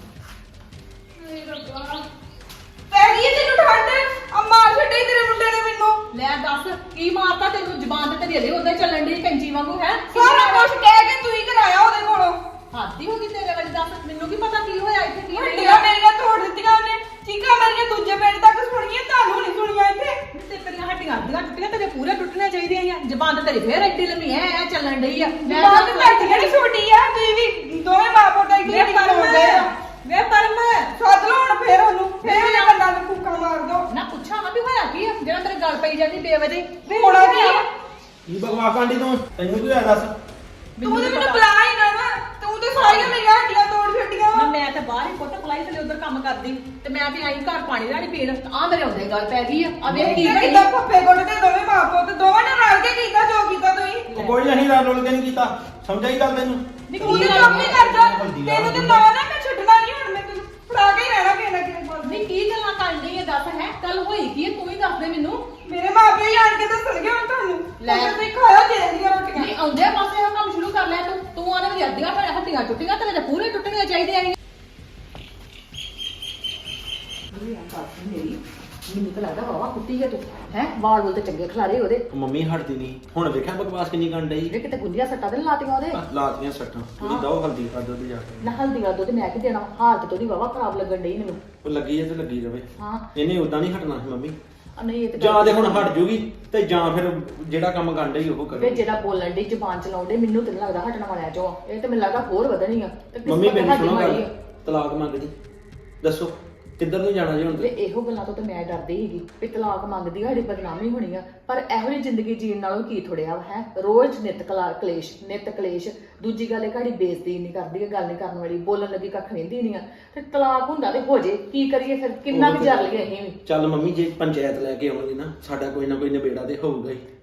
Speaker 2: ਹਾਏ ਰੱਬਾ ਪੈ ਗਈ ਤੈਨੂੰ ਠੰਡ ਆ ਮਾਰ ਛੱਡੇ ਤੇਰੇ ਮੁੰਡੇ ਨੇ ਮੈਨੂੰ
Speaker 5: ਲੈ ਦੱਸ ਕੀ ਮਾਰਤਾ ਤੈਨੂੰ ਜ਼ੁਬਾਨ ਤੇ ਤੇਰੀ ਹਲੇ ਉਦਾਂ ਚੱਲਣ ਦੀ ਕੈਂਚੀ ਵਾਂਗੂ ਹੈ
Speaker 2: ਸਾਰਾ ਕੁਝ ਕਹਿ ਕੇ ਤੂੰ ਹੀ ਕਰਾਇਆ ਉਹਦੇ ਕੋਲੋਂ
Speaker 5: ਹਾਦੀ ਹੋ ਗਈ ਤੇਰੇ ਵਾਲੀ ਦੱਸ ਮੈਨੂੰ ਕੀ ਪਤਾ ਕੀ ਹੋਇਆ ਇੱਥੇ ਕੀ
Speaker 2: ਹੱਡੀਆਂ ਮੇਰੀਆਂ ਤੋੜ ਦਿੱਤੀਆਂ ਉਹਨੇ ਚੀਕਾਂ ਮੇਰੀਆਂ ਦੂਜੇ ਪਿੰਡ ਤੱਕ ਸੁਣੀਆਂ ਤੁਹਾਨੂੰ ਨਹੀਂ ਸੁਣੀਆਂ ਇੱਥੇ
Speaker 5: ਤੇ ਤੇਰੀਆਂ ਹੱਡੀਆਂ ਅੱਧੀਆਂ ਟੁੱਟੀਆਂ ਤੇਰੇ ਪੂਰੇ ਟੁੱਟਣੀਆਂ ਚਾਹੀਦੀਆਂ ਆ ਜ਼ਬਾਨ ਤੇ ਤੇਰੀ ਫੇਰ ਐਡੀ ਲੰਮੀ ਐ ਐ ਚੱਲਣ ਡਈ ਆ ਮੈਂ
Speaker 2: ਮਾਂ ਤੇ ਤੁਹਾਡੀ ਜਿਹੜੀ ਛੋਟੀ ਆ ਤੁਸੀਂ ਵੀ ਦੋਵੇਂ ਮਾਂ ਪੁੱਤ ਐਡੀ
Speaker 5: ਵੇ
Speaker 2: ਐਡੀ
Speaker 5: ਪਰਮ
Speaker 2: ਕਰਦੇ ਆ
Speaker 5: ਵੇ ਪਰਮ
Speaker 2: ਸੱਦ ਲਓ ਹੁਣ ਫੇਰ ਉਹਨੂੰ ਫੇਰ ਉਹਨੇ ਕੰਨਾਂ ਨੂੰ ਫੂਕਾਂ ਮਾਰ ਦੋ
Speaker 5: ਨਾ ਪੁੱਛਾਂ ਨਾ ਵੀ ਹੋਇਆ ਕੀ ਆ ਜਿਹੜਾ ਤੇਰੇ ਗੱਲ ਪਈ ਜਾਂਦੀ ਬੇਵਜੇ
Speaker 2: ਹੋਣਾ ਕੀ ਆ?
Speaker 1: ਕੀ ਬਕਵਾਸ ਆਂਡੀ ਤੂੰ ਤੈਨੂੰ ਕੀ ਹੋਇਆ ਦੱਸ
Speaker 2: ਤੂੰ ਤੇ ਮੈਨੂੰ ਬੁਲਾ ਹੀ ਨਾ ਵਾ ਤੂੰ ਤੇ ਸਾਰੀਆਂ ਮੇਰੀਆਂ ਹੱਡੀਆਂ ਤੋੜ ਛੱਡੀਆਂ
Speaker 5: ਨਾ
Speaker 2: ਵਾ
Speaker 5: ਮੈਂ ਤੇ ਬਾਹਰ ਹੀ ਪੁੱਤ ਫਲਾਈ ਥਲੇ ਉਧਰ ਕੰਮ ਕਰਦੀ ਤੇ ਮੈਂ ਤੇ ਆਈ ਘਰ ਪਾਣੀ ਲੈਣੀ ਪੀਣ ਆ ਮੇਰੇ ਆਉਂਦੇ ਗੱਲ ਪੈ ਗਈ ਆ ਆ ਵੇਖ ਕੀ
Speaker 2: ਕੀ
Speaker 5: ਕਰੀ
Speaker 2: ਕਿਦਾਂ ਫੱਫੇ ਗੁੱਟ ਤੇ ਦੋਵੇਂ ਮਾਂ ਪੁੱਤ ਦੋਵਾਂ ਨੇ ਰਲ ਕੇ ਕੀਤਾ ਜੋ ਕੀਤਾ ਤੁਸੀਂ
Speaker 1: ਉਹ ਕੋਈ ਨਹੀਂ ਰਲ ਰੁਲ ਕੇ ਨਹੀਂ ਕੀਤਾ ਸਮਝਾਈ ਗੱਲ ਤੈਨੂੰ
Speaker 5: ਨੀ
Speaker 2: ਤੂੰ
Speaker 5: ਕੀ
Speaker 2: ਤੇ
Speaker 5: ਗੱਲ
Speaker 2: ਕੰਮ ਨਹੀਂ ਕਰਦਾ
Speaker 1: ਹਲਦੀ ਆ।
Speaker 2: ਤੈਨੂੰ ਤੇ ਨਾ ਨਾ ਮੈਂ ਛੱਡਣਾ ਨਹੀਂ ਹੁਣ ਮੈਂ ਤੈਨੂੰ ਫੜਾ ਕੇ ਹੀ ਰਹਿਣਾ ਕਿਸੇ ਨਾ ਕਿਸੇ ਕੋਲ
Speaker 5: ਨੀ ਕੀ ਗੱਲਾਂ ਕਰਨ ਡਈ ਇਹ ਦੱਸ ਹੈ ਕੱਲ ਹੋਈ ਕੀ ਆ, ਤੂੰ ਹੀ ਦੱਸ ਦੇ ਮੈਨੂੰ
Speaker 2: ਮੇਰੇ ਮਾਪੇ ਹੀ ਆਣ ਕੇ ਦੱਸਣਗੇ ਹੁਣ ਤੁਹਾਨੂੰ
Speaker 5: ਲੈ।
Speaker 2: ਲੈ ਤੁਸੀਂ ਖਾਓ ਜੇ ਦੀਆਂ ਰੋਟੀਆਂ
Speaker 5: ਨਹੀਂ ਆਉਂਦੇ ਪਾਸੇ ਇਹ ਕੰਮ ਸ਼ੁਰੂ ਕਰ ਲਿਆ ਤੂੰ ਤੂੰ ਆਨੇ ਵੀ ਅੱਧੀਆਂ ਫਿਰ ਹੱਡੀਆਂ ਟੁੱਟੀਆਂ ਤੇਰੇ ਤੇ ਪੂਰੇ ਟੁੱਟਣੀਆਂ ਚਾਹੀਦੀਆਂ ਸੀ ਮੈਨੂੰ ਤਾਂ ਲੱਗਦਾ ਵਾਵਾ ਕੁੱਟੀ ਹੈ ਤੂੰ ਹੈ ਵਾਲ ਵੁਲ ਤੇ ਚੰਗੇ ਖਲਾਰੇ ਉਹਦੇ
Speaker 1: ਮੰਮੀ ਹਟਦੀ ਨਹੀਂ ਹੁਣ ਵੇਖਿਆ ਬਕਵਾਸ ਕਿੰਨੀ ਕਰਨ ਡਈ
Speaker 5: ਇਹ ਕਿਤੇ ਗੁੰਡੀਆਂ ਸੱਟਾਂ ਤੇ ਨੀ ਲਾਤੀਆਂ ਉਹਦੇ
Speaker 1: ਲਾਤੀਆਂ ਸੱਟਾਂ ਉਹਦੀ ਦੋ ਹਲਦੀ ਕਰ ਦੋ ਤੇ ਜਾ ਕੇ
Speaker 5: ਨਾ ਹਲਦੀ ਦਾ ਦੁੱਧ ਮੈਂ ਕੀ ਦੇਣਾ ਹਾਲਤ ਤੇ ਉਹਦੀ ਵਾਵਾ ਖਰਾਬ ਲੱਗਣ ਡਈ ਮੈਨੂੰ
Speaker 1: ਉਹ ਲੱਗੀ ਐ ਤੇ ਲੱਗੀ ਰਵੇ
Speaker 5: ਹਾਂ
Speaker 1: ਇਹਨੇ ਉਦਾਂ ਨਹੀਂ ਹਟਣਾ ਸੀ ਮੰਮੀ
Speaker 5: ਆ ਨਹੀਂ ਇਹ ਤੇ
Speaker 1: ਜਾਂ ਤੇ ਹੁਣ ਹਟ ਜੂਗੀ ਤੇ ਜਾਂ ਫਿਰ ਜਿਹੜਾ ਕੰਮ ਕਰਨ ਡਈ ਉਹ
Speaker 5: ਵੇ
Speaker 1: ਕਰੇ
Speaker 5: ਜਿਹੜਾ ਬੋਲਣ ਦੀ ਜ਼ਬਾਨ ਚਲਾਉਣ ਡਈ ਮੈਨੂੰ ਤੇ ਨੀ ਲੱਗਦਾ ਹਟਣ ਵਾਲਿਆਂ ਚੋਂ ਆ। ਇਹ ਤੇ ਮੈਨੂੰ ਲੱਗਦਾ ਹੋਰ ਵਧਣੀ ਆ ਤੇ ਕਿਸ
Speaker 1: ਮੰਮੀ
Speaker 5: ਪਾਸੇ
Speaker 1: ਮੈਨੂੰ
Speaker 5: ਹੱਡੀ
Speaker 1: ਸੁਣੋ
Speaker 5: ਮਾਰੀ
Speaker 1: ਗੱਲ
Speaker 5: ਆ।
Speaker 1: ਤਲਾਕ ਮੰਗਦੀ ਦੱਸੋ ਕਿੱਧਰ ਨੂੰ ਜਾਣਾ ਜੀ ਹੁਣ
Speaker 5: ਵੇ
Speaker 1: ਤੁਸੀਂ?
Speaker 5: ਇਹੋ ਗੱਲਾਂ ਤੋਂ ਤੇ ਮੈਂ ਡਰਦੀ ਸੀਗੀ ਵੀ ਤਲਾਕ ਮੰਗਦੀ ਆ ਸਾਡੀ ਬਦਨਾਮੀ ਹੋਣੀ ਆ ਪਰ ਇਹੋ ਜਿਹੀ ਜ਼ਿੰਦਗੀ ਜੀਣ ਨਾਲੋਂ ਕੀ ਥੋੜਿਆ ਹੈ ਰੋਜ਼ ਨਿਤ ਕਲਾ ਕਲੇਸ਼ ਨਿਤ ਕਲੇਸ਼ ਦੂਜੀ ਗੱਲ ਇਹ ਘੜੀ ਬੇਇੱਜ਼ਤੀ ਨਹੀਂ ਕਰਦੀ ਗੱਲ ਨਹੀਂ ਕਰਨ ਵਾਲੀ ਬੋਲਣ ਲੱਗੀ ਕੱਖ ਨਹੀਂ ਨਹੀਂ ਆ ਤੇ ਤਲਾਕ ਹੁੰਦਾ ਤੇ ਹੋ ਜੇ ਕੀ ਕਰੀਏ ਫਿਰ ਕਿੰਨਾ ਕੁ ਜਰ ਲਈਏ ਅਸੀਂ ਵੀ
Speaker 1: ਚੱਲ ਮੰਮੀ ਜੇ ਪੰਚਾਇਤ ਲੈ ਕੇ ਆਉਣਗੇ ਨਾ ਸਾਡਾ ਕੋਈ ਨਾ ਕੋਈ ਨਿਬੇੜਾ ਤੇ ਹੋਊਗਾ ਹੀ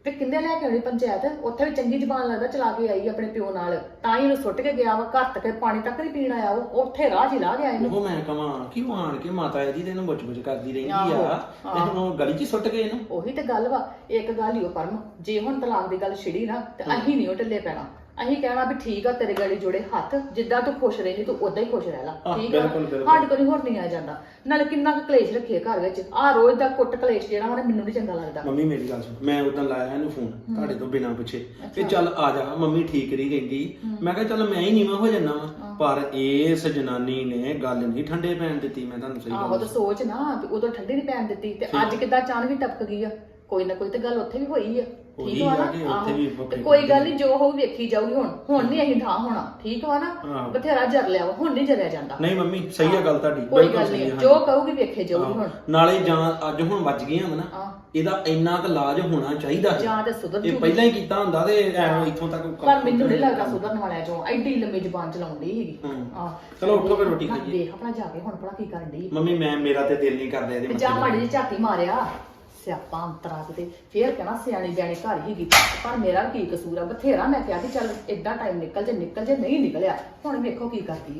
Speaker 5: ਤੇ ਕਿੰਨੇ ਲੈ ਕੇ ਆਉਣੀ ਪੰਚਾਇਤ, ਉੱਥੇ ਵੀ ਚੰਗੀ ਜ਼ਬਾਨ ਲੱਗਦਾ ਚਲਾ ਕੇ ਆਈ ਆਪਣੇ ਪਿਓ ਨਾਲ, ਤਾਂ ਹੀ ਉਹਨੂੰ ਸੁੱਟ ਕੇ ਗਿਆ ਵਾ, ਘਰ ਤੱਕ ਪਾਣੀ ਤੱਕ ਨਹੀਂ ਪੀਣ ਆਇਆ, ਉਹ ਉੱਥੇ ਰਾਹ 'ਚ ਹੀ ਲਾ ਗਿਆ ਇਹਨੂੰ।
Speaker 1: ਉਹ ਮੈਂ ਕਹਾਂ ਕਿ ਉਹ ਆਣ ਕੇ ਮਾਤਾ ਇਹਦੀ ਤੇ ਇਹਨੂੰ ਬੁੱਚ-ਬੁੱਚ ਕਰਦੀ ਰਹਿੰਦੀ
Speaker 5: ਆਹੋ,
Speaker 1: ਆ ਤੇ ਹੁਣ ਉਹ ਗਲੀ 'ਚ ਹੀ ਸੁੱਟ ਗਏ ਇਹਨੂੰ।
Speaker 5: ਉਹੀ ਤੇ ਗੱਲ ਵਾ, ਇੱਕ ਗੱਲ ਹੀ ਉਹ ਪਰਮ, ਜੇ ਹੁਣ ਤਲਾਕ ਦੀ ਗੱਲ ਛਿੜੀ ਨਾ ਤੇ ਅਸੀਂ ਨਹੀਂ ਉਹ ਢਿੱਲੇ ਪੈਣਾ, ਅਸੀਂ ਕਹਿਣਾ ਵੀ ਠੀਕ ਆ ਤੇਰੇ ਗਾੜੀ ਜੋੜੇ ਹੱਥ, ਜਿੱਦਾਂ ਤੂੰ ਖੁਸ਼ ਰਹਿੰਦੀ ਤੂੰ ਉਦਾਂ ਹੀ ਖੁਸ਼ ਰਹਿ ਲਾ,
Speaker 1: ਆਹ,
Speaker 5: ਠੀਕ ਆ।
Speaker 1: ਬਿਲਕੁਲ, ਬਿਲਕੁਲ।
Speaker 5: ਸਾਡੇ ਕੋਲ ਹੋਰ ਨਹੀਂ ਆ ਜਾਂਦਾ, ਨਾਲੇ ਕਿੰਨਾ ਕੁ ਕਲੇਸ਼ ਰੱਖੀਏ ਘਰ ਵਿੱਚ, ਆਹ ਰੋਜ਼ ਦਾ ਕੁੱਟ ਕਲੇਸ਼ ਜਿਹੜਾ ਵਾ ਨਾ ਮੈਨੂੰ ਨਹੀਂ ਚੰਗਾ ਲੱਗਦਾ।
Speaker 1: ਮੰਮੀ ਮੇਰੀ ਗੱਲ ਸੁਣ, ਮੈਂ ਉਦੋਂ ਲਾਇਆ ਇਹਨੂੰ ਫੋਨ ਤੁਹਾਡੇ ਤੋਂ ਬਿਨਾਂ ਪੁੱਛੇ ਕਿ ਚੱਲ ਆ ਜਾ, ਮੰਮੀ ਠੀਕ ਨਹੀਂ ਕਹਿੰਦੀ, ਮੈਂ ਕਿਹਾ ਚੱਲ ਮੈਂ ਹੀ ਨੀਵਾਂ ਹੋ ਜਾਣਾ ਵਾ, ਪਰ ਇਸ ਜਨਾਨੀ ਨੇ ਗੱਲ ਨਹੀਂ ਠੰਡੇ ਪੈਣ ਦਿੱਤੀ। ਮੈਂ ਤੁਹਾਨੂੰ ਸਹੀ
Speaker 5: ਆਹੋ
Speaker 1: ਗੱਲ
Speaker 5: ਤਾਂ ਸੋਚ ਨਾ ਵੀ ਉਦੋਂ ਠੰਡੀ ਨਹੀਂ ਪੈਣ ਦਿੱਤੀ ਤੇ ਅੱਜ ਕਿੱਦਾਂ ਅਚਾਨਕ ਹੀ ਟਪਕ ਗਈ ਆ, ਕੋਈ ਨਾ ਕੋਈ ਤੇ ਗੱਲ ਉੱਥੇ ਵੀ ਹੋਈ ਆ,
Speaker 1: ਹੋਈ
Speaker 5: ਠੀਕ ਵਾ
Speaker 1: ਆ ਕਿ
Speaker 5: ਨਾ।
Speaker 1: ਉੱਥੇ ਵੀ
Speaker 5: ਆਹੋ,
Speaker 1: ਵੱਖਰੀ
Speaker 5: ਤੇ ਕੋਈ ਗੱਲ ਨਹੀਂ, ਜੋ ਹੋਊ ਵੇਖੀ ਜਾਊਗੀ, ਹੁਣ ਹੁਣ ਨਹੀਂ ਅਸੀਂ ਠਾਹ ਹੋਣਾ, ਠੀਕ ਵਾ ਨਾ।
Speaker 1: ਆਹੋ।
Speaker 5: ਬਥੇਰਾ ਜਰ ਲਿਆ ਵਾ, ਹੁਣ ਨਹੀਂ ਜਰਿਆ ਜਾਂਦਾ।
Speaker 1: ਨਹੀਂ ਮੰਮੀ ਸਹੀ ਆ ਗੱਲ ਤੁਹਾਡੀ,
Speaker 5: ਕੋਈ
Speaker 1: ਬਿਲਕੁਲ
Speaker 5: ਗੱਲ
Speaker 1: ਸਹੀ
Speaker 5: ਨਹੀਂ,
Speaker 1: ਆ।
Speaker 5: ਜੋ ਕਹੂਗੀ ਵੇਖੇ ਜਾਊਗੀ ਹੁਣ।
Speaker 1: ਨਾਲੇ ਜਾਂ ਅੱਜ ਹੁਣ ਵੱਜ ਗਈਆਂ ਵਾ ਨਾ,
Speaker 5: ਆਹ।
Speaker 1: ਇਹਦਾ ਇੰਨਾ ਕੁ ਇਲਾਜ ਹੋਣਾ ਚਾਹੀਦਾ ਸੀ।
Speaker 5: ਜਾਂ ਤੇ ਸੁਧਰ
Speaker 1: ਇਹ
Speaker 5: ਜੂਗੀ।
Speaker 1: ਪਹਿਲਾਂ ਹੀ ਕੀਤਾ ਹੁੰਦਾ ਤੇ ਐਵੇਂ ਇੱਥੋਂ ਤੱਕ
Speaker 5: ਪਰ ਮੈਨੂੰ ਨਹੀਂ ਲੱਗਦਾ ਸੁਧਰਨ ਵਾਲਿਆ ਚੋਂ ਐਡੀ ਲੰਮੀ ਜ਼ੁਬਾਨ ਚਲਾਉਂਦੀ ਸੀਗੀ।
Speaker 1: ਹੂੰ।
Speaker 5: ਆਹ
Speaker 1: ਚਲੋ ਉੱਠੋ ਫਿਰ ਰੋਟੀ
Speaker 5: ਹਾਂ,
Speaker 1: ਖਾਈਏ।
Speaker 5: ਦੇਖ ਆਪਣਾ ਜਾ ਕੇ ਹੁਣ ਭਲਾ ਕੀ ਕਰਨ ਡਈ।
Speaker 1: ਮੰਮੀ ਮੈਂ ਮੇਰਾ ਤੇ ਦਿਲ ਨਹੀਂ ਕਰਦਾ ਇਹਦੇ
Speaker 5: ਤੇ
Speaker 1: ਮੱਥੇ
Speaker 5: ਜਾ
Speaker 1: ਤੇ।
Speaker 5: ਮਾੜੀ ਜਿਹੀ ਝਾਤੀ ਮਾਰਿਆ, ਸਿਆਪਾ ਅੰਤਰਾ ਕਿਤੇ ਫੇਰ ਕਹਿਣਾ ਸਿਆਣੀ ਬਿਆਣੀ ਘਰ ਹੀ ਗਈ, ਪਰ ਮੇਰਾ ਕੀ ਕਸੂਰ ਆ। ਬਥੇਰਾ ਮੈਂ ਕਿਹਾ ਕਿ ਚੱਲ ਏਦਾਂ ਟਾਈਮ ਨਿਕਲ ਜੇ ਨਿਕਲ ਜੇ, ਨਹੀਂ ਨਿਕਲਿਆ, ਹੁਣ ਵੇਖੋ ਕੀ ਕਰਦੀ ਆ।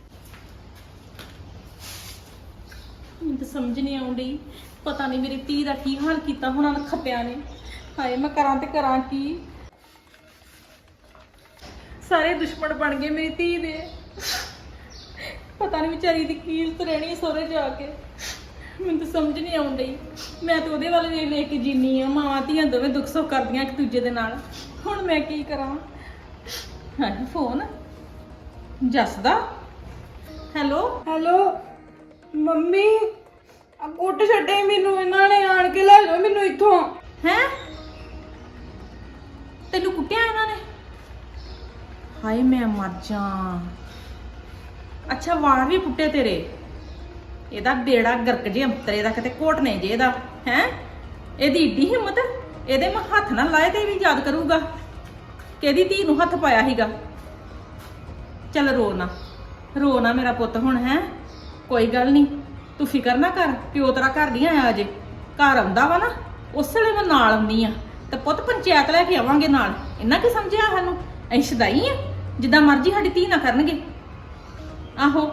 Speaker 3: ਮੈਨੂੰ ਤਾਂ ਸਮਝ ਨਹੀਂ ਆਉਂਦੀ, ਪਤਾ ਨਹੀਂ ਮੇਰੀ ਧੀ ਦਾ ਕੀ ਹਾਲ ਕੀਤਾ ਹੋਣਾ ਨਾ ਖੱਤਿਆਂ ਨੇ। ਹਾਏ ਮੈਂ ਕਰਾਂ ਤੇ ਕਰਾਂ ਕੀ, ਸਾਰੇ ਦੁਸ਼ਮਣ ਬਣ ਗਏ ਮੇਰੀ ਧੀ ਦੇ। ਪਤਾ ਨਹੀਂ ਵਿਚਾਰੀ ਦੀ ਕੀ ਹਾਲਤ ਰਹਿਣੀ ਸਹੁਰੇ ਜਾ ਕੇ, ਮੈਨੂੰ ਤਾਂ ਸਮਝ ਨਹੀਂ ਆਉਂਦੀ। ਮੈਂ ਤਾਂ ਉਹਦੇ ਵੱਲ ਵੇਖ ਵੇਖ ਕੇ ਜੀਨੀ ਆ, ਮਾਵਾਂ ਧੀਆਂ ਦੋਵੇਂ ਦੁੱਖ ਸੁੱਖ ਕਰਦੀਆਂ ਇੱਕ ਦੂਜੇ ਦੇ ਨਾਲ। ਹੁਣ ਮੈਂ ਕੀ ਕਰਾਂ। ਹਾਂ ਫੋਨ ਜੱਸ ਦਾ। ਹੈਲੋ
Speaker 2: ਹੈਲੋ ਮੰਮੀ, ਆ ਕੁੱਟ ਛੱਡੇ ਮੈਨੂੰ ਇਹਨਾਂ ਨੇ, ਆਣ ਕੇ ਲੈ ਜਾਓ ਮੈਨੂੰ ਇੱਥੋਂ।
Speaker 3: ਹੈ ਤੈਨੂੰ ਕੁੱਟਿਆ ਇਹਨਾਂ ਨੇ? ਹਾਏ ਮੈਂ ਮਰ ਜਾ। ਅੱਛਾ ਵਾਲ ਵੀ ਪੁੱਟੇ ਤੇਰੇ, ਇਹਦਾ ਬੇੜਾ ਗਰਕ ਜੇ ਅੰਤਰੇ ਦਾ ਕਿਤੇ ਘੋਟਨੇ ਜੇ ਇਹਦਾ ਹੈ। ਇਹਦੀ ਏਡੀ ਹਿੰਮਤ, ਇਹਦੇ ਮੈਂ ਹੱਥ ਨਾ ਲਾਏ ਤੇ ਵੀ ਯਾਦ ਕਰੂਗਾ ਕਿ ਇਹਦੀ ਧੀ ਨੂੰ ਹੱਥ ਪਾਇਆ ਸੀਗਾ। ਚੱਲ ਰੋ ਨਾ ਰੋ ਨਾ ਮੇਰਾ ਪੁੱਤ ਹੁਣ, ਹੈ ਕੋਈ ਗੱਲ ਨਹੀਂ, ਤੂੰ ਫਿਕਰ ਨਾ ਕਰ, ਪਿਓ ਤੇਰਾ ਘਰ ਨਹੀਂ ਆਇਆ ਅਜੇ, ਘਰ ਆਉਂਦਾ ਵਾ ਨਾ ਉਸ ਵੇਲੇ ਮੈਂ ਨਾਲ ਆਉਂਦੀ ਆ ਤੇ ਪੁੱਤ ਪੰਚਾਇਤ ਲੈ ਕੇ ਆਵਾਂਗੇ ਨਾਲ। ਇਹਨਾਂ ਕੀ ਸਮਝਿਆ ਸਾਨੂੰ, ਅਸੀਂ ਸ਼ਦਾਈ ਆ ਜਿੱਦਾਂ ਮਰਜ਼ੀ ਸਾਡੀ ਧੀ ਨਾ ਕਰਨਗੇ। ਆਹੋ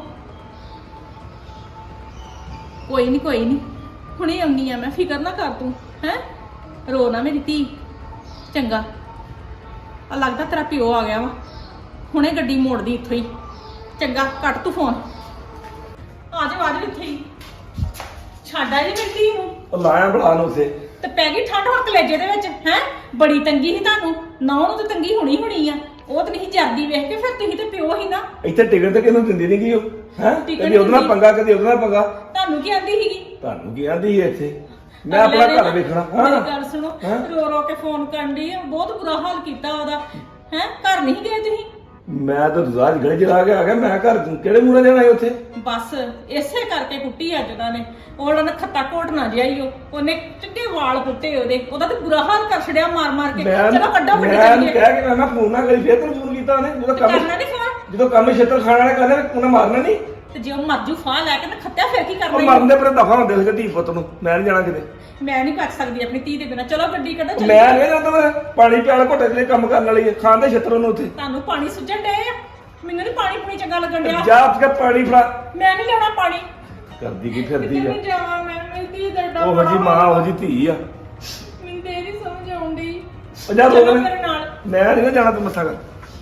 Speaker 3: ਕੋਈ ਨਹੀਂ ਕੋਈ ਨਹੀਂ, ਹੁਣੇ ਆਉਣੀ ਆ ਮੈਂ, ਫਿਕਰ ਨਾ ਕਰ ਤੂੰ, ਹੈ ਰੋ ਨਾ ਮੇਰੀ ਧੀ। ਚੰਗਾ ਆ ਲੱਗਦਾ ਤੇਰਾ ਪਿਓ ਆ ਗਿਆ ਵਾ, ਹੁਣੇ ਗੱਡੀ ਮੋੜਦੀ ਇੱਥੋਂ ਹੀ। ਚੰਗਾ ਕੱਟ ਤੂੰ ਫੋਨ, ਆ ਜਾ ਆ ਜਾ ਇੱਥੇ ਹੀ, ਛੱਡ ਆ ਜੀ ਮੇਰੀ ਧੀ ਨੂੰ।
Speaker 1: ਉਹ ਲਾਇਆ ਬੜਾ ਨੂੰ ਉਸੇ
Speaker 3: ਤੇ ਪੈ ਗਈ ਠੰਡ ਹੁਣ ਕਲੇਜੇ ਦੇ ਵਿੱਚ, ਹੈ ਬੜੀ ਤੰਗੀ ਸੀ ਤੁਹਾਨੂੰ, ਨਾ ਉਹਨੂੰ ਤਾਂ ਤੰਗੀ ਹੋਣੀ ਹੋਣੀ ਆ, ਉਹ ਤਾਂ ਨਹੀਂ ਜਰਦੀ ਵੇਖ ਕੇ, ਫਿਰ ਤੁਸੀਂ ਤੇ ਪਿਓ ਹੀ ਨਾ।
Speaker 7: ਇੱਥੇ ਟਿਕਟ ਤੇ ਕਿਹਨੂੰ ਦਿੰਦੀ ਨਹੀਂ ਗਈ ਉਹ, ਹੈ
Speaker 3: ਟਿਕਟ
Speaker 7: ਕਦੀ ਉਹਦੇ ਨਾਲ
Speaker 3: ਦਿੰਦੀ।
Speaker 7: ਪੰਗਾ ਕਦੀ ਉਹਦੇ ਨਾਲ ਪੰਗਾ।
Speaker 3: ਤੁਹਾਨੂੰ ਕੀ ਆਂਦੀ ਸੀਗੀ?
Speaker 7: ਤੁਹਾਨੂੰ ਕੀ ਆਂਦੀ ਹੈ ਇੱਥੇ, ਮੈਂ ਆਪਣਾ
Speaker 3: ਅਗਲੇ ਨੇ
Speaker 7: ਘਰ ਵੇਖਣਾ।
Speaker 3: ਮੇਰੀ
Speaker 7: ਹਾਂ
Speaker 3: ਗੱਲ ਸੁਣੋ,
Speaker 7: ਹਾਂ।
Speaker 3: ਰੋ ਰੋ ਕੇ ਫੋਨ ਕਰਨ ਦੀ ਬਹੁਤ ਬੁਰਾ ਹਾਲ ਕੀਤਾ ਉਹਦਾ, ਹੈ ਘਰ ਨਹੀਂ ਗਏ ਤੁਸੀਂ?
Speaker 7: ਮੈਂ ਤਾਂ ਰਾਜ ਗਲੇ ਚ ਲਾ ਕੇ ਆ ਗਿਆ, ਮੈਂ ਘਰ ਕਿਹੜੇ ਮੂਹਰੇ ਜਾਣਾ ਉੱਥੇ।
Speaker 3: ਬਸ ਇਸੇ ਕਰਕੇ ਕੁੱਟੀ ਅੱਜ ਉਹਨਾਂ ਨੇ, ਉਹਨਾਂ ਨੇ ਖੱਤਾ ਘੋਟਣਾ ਜਿਹਾ ਹੀ ਉਹ, ਉਹਨੇ ਚਿੱਟੇ ਵਾਲ ਪੁੱਟੇ ਉਹਦੇ, ਉਹਦਾ ਤੇ ਬੁਰਾ ਹਾਲ ਕਰ ਛੜਿਆ ਮਾਰ ਮਾਰ ਕੇ।
Speaker 7: ਮੈਂ
Speaker 3: ਚਲੋ ਕੱਢੋ
Speaker 7: ਮੈਂ
Speaker 3: ਫੜੀ
Speaker 7: ਉਹਨੂੰ
Speaker 3: ਚੱਲੀਏ।
Speaker 7: ਕਹਿ ਕੇ ਮੈਂ ਮੈਂ ਫੋਨ ਨਾ ਕਰੀ, ਫੇਰ ਤੈਨੂੰ ਫੋਨ ਕੀਤਾ ਉਹਨੇ, ਜਦੋਂ ਕੰਮ
Speaker 3: ਕਰਨਾ ਨਹੀਂ ਫੋਨ,
Speaker 7: ਜਦੋਂ ਕੰਮ ਛੇਤਰ ਖਾਣ ਵਾਲੇ ਕਰਨੇ ਉਹਨੇ ਮਾਰਨਾ ਨਹੀਂ।
Speaker 3: ਤੇ ਜੇ ਉਹ ਮਰਜੂ ਫਾਹ ਲੈ ਕੇ ਨਾ ਖੱਤਿਆ ਫਿਰ ਕੀ
Speaker 7: ਉਹ
Speaker 3: ਕਰਨਾ
Speaker 7: ਮਰਨ
Speaker 3: ਈ?
Speaker 7: ਦੇ ਪਰ ਦਫਾ ਹੁੰਦੇ ਸੀ ਧੀ ਪੁੱਤ ਨੂੰ, ਮੈਂ ਨਹੀਂ ਜਾਣਾ ਕਿਤੇ।
Speaker 3: ਮੈਂ ਨਹੀਂ ਕੱਟ ਸਕਦੀ ਆਪਣੀ ਧੀ ਦੇ ਬਿਨਾਂ। ਚਲੋ ਗੱਡੀ ਕੱਢੋ ਚੱਲੀਏ।
Speaker 7: ਮੈਂ ਨਹੀਂ ਜਾਂਦਾ, ਮੈਂ ਪਾਣੀ ਪਿਆਲ ਘੁੱਟੇ ਦੇ ਕੰਮ ਕਰਨ ਵਾਲੀ ਹੈ, ਖਾਣ ਦੇ ਛੇਤਰ ਉਹਨੂੰ ਉੱਥੇ
Speaker 3: ਤੁਹਾਨੂੰ ਪਾਣੀ ਸੁੱਜਣ ਡੇ ਆ, ਮੈਨੂੰ ਨਹੀਂ ਪਾਣੀ ਪੂਣੀ ਚੰਗਾ ਲੱਗਣ ਡਿਆ।
Speaker 7: ਜਾ ਉੱਠ ਕੇ ਪਾਣੀ ਫੜਾ।
Speaker 3: ਮੈਂ ਨਹੀਂ ਲੈਣਾ ਪਾਣੀ,
Speaker 7: ਕਰਦੀ ਕੀ
Speaker 3: ਕਿਤੇ
Speaker 7: ਫਿਰਦੀ ਆ,
Speaker 3: ਨਹੀਂ ਜਾਵਾਂ ਮੈਂ, ਮੇਰੀ ਧੀ ਦਾ ਏਡਾ
Speaker 7: ਉਹ
Speaker 3: ਬੜਾ
Speaker 7: ਜੀ ਮਾਂ ਉਹ ਜੀ ਧੀ ਆ।
Speaker 3: ਮੈਨੂੰ ਤੇ ਇਹ ਨਹੀਂ ਸਮਝ ਆਉਂਦੀ।
Speaker 7: ਉਹ ਜਾ
Speaker 3: ਚਲੋ
Speaker 7: ਰੋਕ
Speaker 3: ਮੇਰੇ ਨਾਲ।
Speaker 7: ਮੈਂ ਨਹੀਂ ਜਾਣਾ, ਤੂੰ ਮੱਥਾ ਕਰ।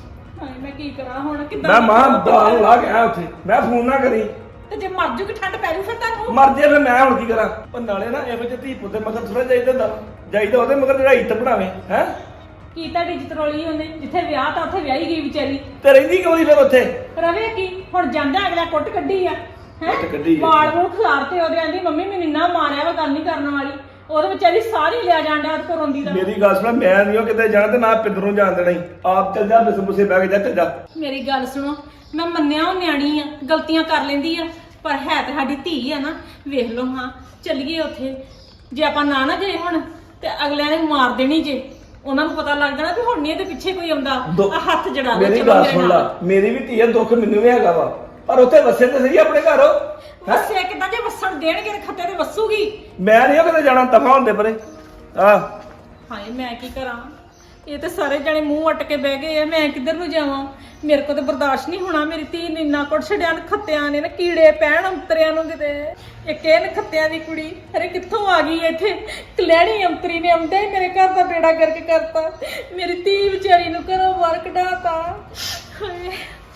Speaker 3: ਹਾਏ ਮੈਂ ਕੀ ਕਰਾਂ ਹੁਣ, ਕਿੱਦਾਂ
Speaker 7: ਮੈਂ ਮਾਂ
Speaker 3: ਕਰਾਂ?
Speaker 7: ਦਾਲ ਲਾ ਕੇ ਆਇਆ ਉੱਥੇ, ਮੈਂ ਫੋਨ ਨਾ ਕਰੀ।
Speaker 3: ਤੇ ਜੇ ਮਰ ਜੂਗੀ ਠੰਡ ਪੈ ਜੂ ਫਿਰ ਤੁਹਾਨੂੰ।
Speaker 7: ਮਰ ਜੇ ਫਿਰ ਮੈਂ ਹੁਣ ਕੀ ਕਰਾਂ। ਉਹ ਨਾਲੇ ਨਾ ਇਹੋ ਜਿਹੇ ਧੀ ਪੁੱਤ ਦੇ ਮਗਰ ਥੋੜਾ ਜਾਈਦਾ ਹੁੰਦਾ, ਜਾਈਦਾ ਉਹਦੇ ਮਗਰ ਜਿਹੜਾ ਇੱਜ਼ਤ ਬਣਾਵੇ, ਹੈ
Speaker 3: ਕੀ ਤੁਹਾਡੀ ਇੱਜ਼ਤ ਰੋਲੀ ਉਹਨੇ, ਜਿੱਥੇ ਵਿਆਹ ਤਾਂ ਉੱਥੇ ਵਿਆਹੀ ਗਈ ਵਿਚਾਰੀ,
Speaker 7: ਤੇ ਰਹਿੰਦੀ ਕਿਉਂ ਨਹੀਂ ਫਿਰ ਉੱਥੇ।
Speaker 3: ਰਵੇ ਕੀ ਹੁਣ, ਜਾਂਦਾ ਅਗਲਾ ਕੁੱਟ ਕੱਢੀ ਆ, ਹੈ
Speaker 7: ਕੁੱਟ ਕੱਢੀ ਆ।
Speaker 3: ਵਾਲ ਵੂਲ ਖਿਲਾਰਤੇ ਉਹਦੇ, ਆਂਦੀ ਮੰਮੀ ਮੈਨੂੰ ਇੰਨਾ ਮਾਰਿਆ ਵਾ, ਗੱਲ ਨਹੀਂ ਕਰਨ ਵਾਲੀ। ਉਹਦੇ ਵਿਚਾਰੀ ਸਾਰੀ ਲਿਆ ਜਾਂਦਾ ਉਹਦੇ ਕੋਲ ਰੋਂਦੀ ਦਾ।
Speaker 7: ਮੇਰੀ ਗੱਲ ਸੁਣ, ਮੈਂ ਨਹੀਂ ਉਹ ਕਿਤੇ ਜਾਣਾ ਤੇ ਨਾ ਪਿੰਦਰੋਂ ਜਾਣ ਦੇਣਾ ਹੀ, ਆਪ ਚੱਲ ਜਾ ਬਿਸ ਬੁਸੇ ਬਹਿ ਕੇ ਜਾ, ਚੱਲ ਜਾ।
Speaker 3: ਮੇਰੀ ਗੱਲ ਸੁਣੋ, ਮੈਂ ਮੰਨਿਆ ਉਹ ਨਿਆਣੀ ਆ, ਗਲਤੀਆਂ ਕਰ ਲੈਂਦੀ ਆ, ਪਰ ਹੈ ਤੇ ਸਾਡੀ ਧੀ ਆ ਨਾ। ਵੇਖ ਲਓ ਹਾਂ, ਚੱਲੀਏ ਉੱਥੇ, ਜੇ ਆਪਾਂ ਨਾ ਨਾ ਗਏ ਹੁਣ ਤੇ ਅਗਲਿਆਂ ਨੇ ਮਾਰ ਦੇਣੀ ਜੇ, ਉਹਨਾਂ ਨੂੰ ਪਤਾ ਲੱਗ ਜਾਣਾ ਵੀ ਹੁਣ ਨਹੀਂ ਇਹਦੇ ਪਿੱਛੇ ਕੋਈ ਆਉਂਦਾ,
Speaker 7: ਦੋ-
Speaker 3: ਆ ਹੱਥ ਜੜਾ ਦੇ।
Speaker 7: ਮੇਰੀ
Speaker 3: ਚਲੋ
Speaker 7: ਗੱਲ
Speaker 3: ਮੇਰੇ
Speaker 7: ਸੁਣ
Speaker 3: ਨਾਲ।
Speaker 7: ਲਾ, ਮੇਰੀ ਵੀ ਧੀ ਹੈ, ਦੁੱਖ ਮੈਨੂੰ ਵੀ ਹੈਗਾ ਵਾ, ਪਰ ਉੱਥੇ ਵਸੇ ਤੇ ਸਹੀ ਆਪਣੇ ਘਰ।
Speaker 3: ਵਸਿਆ ਕਿੱਦਾਂ, ਜੇ ਵਸਣ ਦੇਣਗੇ ਤੇ ਖੱਤੇ ਤੇ ਵਸੂਗੀ।
Speaker 7: ਮੈਂ ਨਹੀਂ ਉਹ ਕਿਤੇ ਜਾਣਾ, ਦਫਾ ਹੁੰਦੇ ਪਰੇ। ਆ
Speaker 3: ਹਾਏ ਮੈਂ ਕੀ ਕਰਾਂ, ਇਹ ਤੇ ਸਾਰੇ ਜਣੇ ਮੂੰਹ ਅੱਟ ਕੇ ਬਹਿ ਗਏ ਆ, ਮੈਂ ਕਿੱਧਰ ਨੂੰ ਜਾਵਾਂ। ਮੇਰੇ ਕੋਲ ਤੇ ਬਰਦਾਸ਼ਤ ਨਹੀਂ ਹੋਣਾ। ਮੇਰੀ ਧੀ ਨੇ ਇੰਨਾ ਕੁੱਟ ਛੱਡਿਆ, ਖੱਤਿਆਂ ਨੇ ਨਾ ਕੀੜੇ ਪੈਣ ਅੰਤਰਿਆਂ ਨੂੰ ਕਿਤੇ। ਇੱਕ ਇਹ ਨਖੱਤਿਆਂ ਦੀ ਕੁੜੀ ਅਰੇ ਕਿੱਥੋਂ ਆ ਗਈ ਇੱਥੇ, ਕਲੈਣੀ ਅੰਤਰੀ ਨੇ ਆਉਂਦੇ ਹੀ ਮੇਰੇ ਘਰ ਦਾ ਬੇੜਾ ਗਰਕ ਕਰਤਾ। ਮੇਰੀ ਧੀ ਵਿਚਾਰੀ ਨੂੰ ਘਰੋਂ ਬਾਹਰ ਕਢਾਤਾ। ਹਾਏ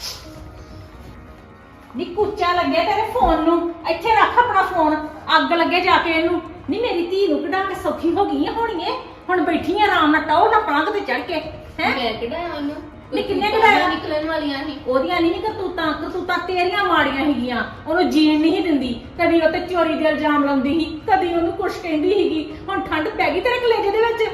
Speaker 3: ਨੀ ਕੁੱਚਾ ਲੱਗੇ ਤੇਰੇ ਫੋਨ ਨੂੰ, ਇੱਥੇ ਰੱਖ ਆਪਣਾ ਫੋਨ, ਅੱਗ ਲੱਗੇ ਜਾ ਕੇ ਇਹਨੂੰ। ਨੀ ਮੇਰੀ ਧੀ ਨੂੰ ਕਢਾ ਕੇ ਸੌਖੀ ਹੋ ਗਈ ਆ ਹੋਣੀਏ, ਹੁਣ ਬੈਠੀ ਆ ਆਰਾਮ ਨਾਲ ਟਾਉ ਨਾ ਪਲੰਗ ਤੇ ਚੜ ਕੇ ਹੈ।
Speaker 4: ਮੈਂ ਕਿਹੜਾ ਉਹਨੂੰ
Speaker 3: ਨੀ ਕਿੰਨੇ ਕਢਾਇਆ?
Speaker 4: ਨਿਕਲਣ ਵਾਲੀਆਂ ਸੀ
Speaker 3: ਉਹਦੀਆਂ ਨਹੀਂ ਕਰਤੂਤਾਂ, ਕਰਤੂਤਾਂ ਤੇਰੀਆਂ ਮਾੜੀਆਂ ਹੈਗੀਆਂ। ਉਹਨੂੰ ਜੀਣ ਨਹੀਂ ਦਿੰਦੀ, ਕਦੀ ਉਹ ਤੇ ਚੋਰੀ ਦੇ ਇਲਜ਼ਾਮ ਲਾਉਂਦੀ ਸੀ, ਕਦੀ ਉਹਨੂੰ ਕੁਛ ਕਹਿੰਦੀ ਸੀਗੀ। ਹੁਣ ਠੰਡ ਪੈ ਗਈ ਤੇਰੇ ਕਲੇਜੇ ਦੇ ਵਿੱਚ।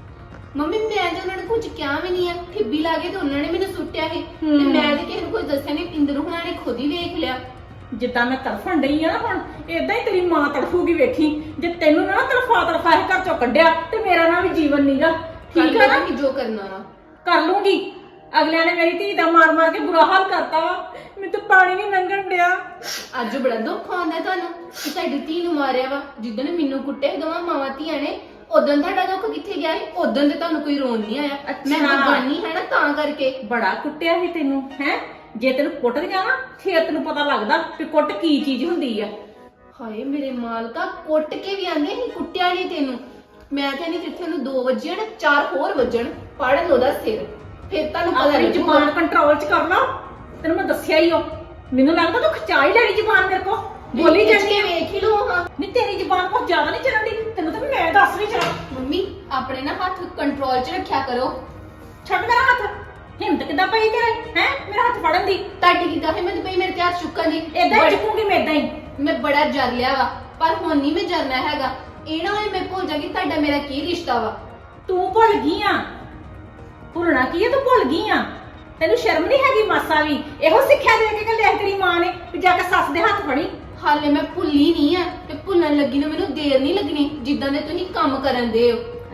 Speaker 4: ਮੰਮੀ ਮੈਂ ਤੇ ਉਹਨਾਂ ਨੂੰ ਕੁਝ ਕਿਹਾ ਵੀ ਨਹੀਂ ਆ, ਠਿੱਬੀ ਲਾ ਕੇ ਤੇ ਉਹਨਾਂ ਨੇ ਮੈਨੂੰ ਸੁੱਟਿਆ ਸੀ ਤੇ
Speaker 3: ਹੂੰ।
Speaker 4: ਮੈਂ ਤੇ ਕਿਸੇ ਨੂੰ ਕੁਝ ਦੱਸਿਆ ਨਹੀਂ। ਇੰਦਰ ਹੁਣਾਂ ਨੇ ਖੁਦ ਹੀ ਵੇਖ ਲਿਆ।
Speaker 3: ਜਿੱਦਾਂ ਮੈਂ ਤੜਫਣ ਡਈ ਆ ਨਾ ਹੁਣ, ਏਦਾਂ ਹੀ ਤੇਰੀ ਮਾਂ ਤੜਫੂਗੀ ਵੇਖੀ। ਜੇ ਤੈਨੂੰ ਨਾ ਤੜਫਾ ਤੜਫਾ ਇਹ ਘਰ ਚੋਂ ਕੱਢਿਆ ਤੇ ਮੇਰਾ ਨਾ ਵੀ ਜੀਵਨ ਨੀਗਾ, ਠੀਕ ਆ ਨਾ?
Speaker 4: ਕਿ ਜੋ ਕਰਨਾ ਵਾ
Speaker 3: ਕਰ ਲੂੰਗੀ। ਅਗਲਿਆਂ ਨੇ ਮੇਰੀ ਧੀ ਦਾ ਮਾਰ ਮਾਰ ਕੇ ਬੁਰਾ ਹਾਲ ਕਰਤਾ ਵਾ, ਮੈਨੂੰ ਤਾਂ ਪਾਣੀ ਨਹੀਂ ਲੰਘਣ ਡਿਆ।
Speaker 4: ਅੱਜ ਬੜਾ ਦੁੱਖ ਆਉਂਦਾ ਤੁਹਾਨੂੰ ਕਿ ਤੁਹਾਡੀ ਧੀ ਨੂੰ ਮਾਰਿਆ ਵਾ। ਜਿੱਦਣ ਮੈਨੂੰ ਕੁੱਟੇ ਦੋਵਾਂ ਮਾਵਾਂ ਧੀਆਂ ਨੇ, ਉਦੋਂ ਤੁਹਾਡਾ ਦੁੱਖ ਕਿੱਥੇ ਗਿਆ ਸੀ? ਉਦੋਂ ਤੇ ਤੁਹਾਨੂੰ ਕੋਈ ਰੋਣ ਨਹੀਂ ਆਇਆ। ਮੈਂ ਬਗਾਨੀ ਹੈ ਨਾ ਤਾਂ ਕਰਕੇ।
Speaker 3: ਬੜਾ ਕੁੱਟਿਆ ਸੀ ਤੈਨੂੰ ਹੈ। ਜੇ ਤੈਨੂੰ ਕੁੱਟਦੀਆਂ ਨਾ ਫੇਰ ਤੈਨੂੰ ਪਤਾ ਲੱਗਦਾ ਕਿ ਕੁੱਟ ਕੀ ਚੀਜ਼ ਹੁੰਦੀ ਆ।
Speaker 4: ਹਾਏ ਮੇਰੇ ਮਾਲਕਾ, ਕੁੱਟ ਕੇ ਵੀ ਆਂਦੇ ਸੀ, ਕੁੱਟਿਆ ਨਹੀਂ ਤੈਨੂੰ। ਮੈਂ ਕਹਿੰਦੀ ਜਿੱਥੇ ਉਹਨੂੰ ਦੋ ਵੱਜਣ ਚਾਰ ਹੋਰ ਵੱਜਣ, ਪੜਨ ਉਹਦਾ ਸਿਰ, ਫਿਰ ਤੁਹਾਨੂੰ ਪਤਾ
Speaker 3: ਆਪਣੀ
Speaker 4: ਲੱਗੂਗਾ।
Speaker 3: ਜ਼ੁਬਾਨ ਕੰਟਰੋਲ ਚ ਕਰ ਲਾ। ਤੈਨੂੰ ਮੈਂ ਦੱਸਿਆ ਹੀ ਉਹ, ਮੈਨੂੰ ਲੱਗਦਾ ਤੂੰ ਖਚਾ ਹੀ ਲੈਣੀ ਜ਼ੁਬਾਨ ਮੇਰੇ ਕੋ, ਬੋਲੀ ਜਾਂਦੀ ਆ।
Speaker 4: ਵੇਖ ਹੀ ਲੋ ਹਾਂ।
Speaker 3: ਨਹੀਂ ਤੇਰੀ ਜ਼ੁਬਾਨ ਕੁਝ ਜ਼ਿਆਦਾ ਨਹੀਂ ਚੱਲਣ ਦੀ, ਤੈਨੂੰ ਤਾਂ ਮੈਂ ਦੱਸ ਨਹੀਂ ਚੱਲਾਂ।
Speaker 4: ਮੰਮੀ ਆਪਣੇ ਨਾ ਹੱਥ ਕੰਟਰੋਲ 'ਚ ਰੱਖਿਆ ਕਰੋ।
Speaker 3: ਛੱਡ ਮੇਰਾ ਹੱਥ। ਹਿੰਮਤ ਕਿੱਦਾਂ ਪਈ ਤੇਰੇ ਹੈ ਮੇਰਾ ਹੱਥ ਫੜਨ ਦੀ?
Speaker 4: ਤੁਹਾਡੀ ਕਿਦਾਂ ਹਿੰਮਤ ਪਈ ਮੇਰੇ ਤੇ ਹੱਥ ਚੁੱਕਣ ਦੀ?
Speaker 3: ਏਦਾਂ ਹੀ ਚੁੱਕੂਗੀ ਮੈਂ, ਏਦਾਂ ਹੀ।
Speaker 4: ਮੈਂ ਬੜਾ ਜਰ ਲਿਆ ਵਾ, ਪਰ ਹੁਣ ਨਹੀਂ ਮੈਂ ਜਰਨਾ ਹੈਗਾ। ਇਹ ਨਾ ਹੋਏ ਮੈਂ ਭੁੱਲ ਜਾਗੀ ਤੁਹਾਡਾ ਮੇਰਾ ਕੀ ਰਿਸ਼ਤਾ ਵਾ।
Speaker 3: ਤੂੰ ਭੁੱਲ ਗਈ ਆ? ਭੁੱਲਣਾ ਕੀ ਆ, ਤੂੰ ਭੁੱਲ ਗਈ ਆ? ਤੈਨੂੰ ਸ਼ਰਮ ਨਹੀਂ ਹੈਗੀ ਮਾਸਾ ਵੀ? ਇਹੋ ਸਿੱਖਿਆ ਦੇ ਕੇ ਕੱਲਿਆ ਤੇਰੀ ਮਾਂ ਨੇ ਵੀ ਜਾ ਕੇ ਸੱਸ ਦੇ ਹੱਥ ਫੜੀ।
Speaker 4: ਹਾਲੇ ਮੈਂ ਭੁੱਲੀ ਨਹੀਂ ਆ ਤੇ ਭੁੱਲਣ ਲੱਗੀ ਨੂੰ ਮੈਨੂੰ ਦੇਰ ਨਹੀਂ ਲੱਗਣੀ, ਜਿੱਦਾਂ ਦੇ ਤੁਸੀਂ ਕੰਮ ਕਰਨ ਦੇ ਹੋ।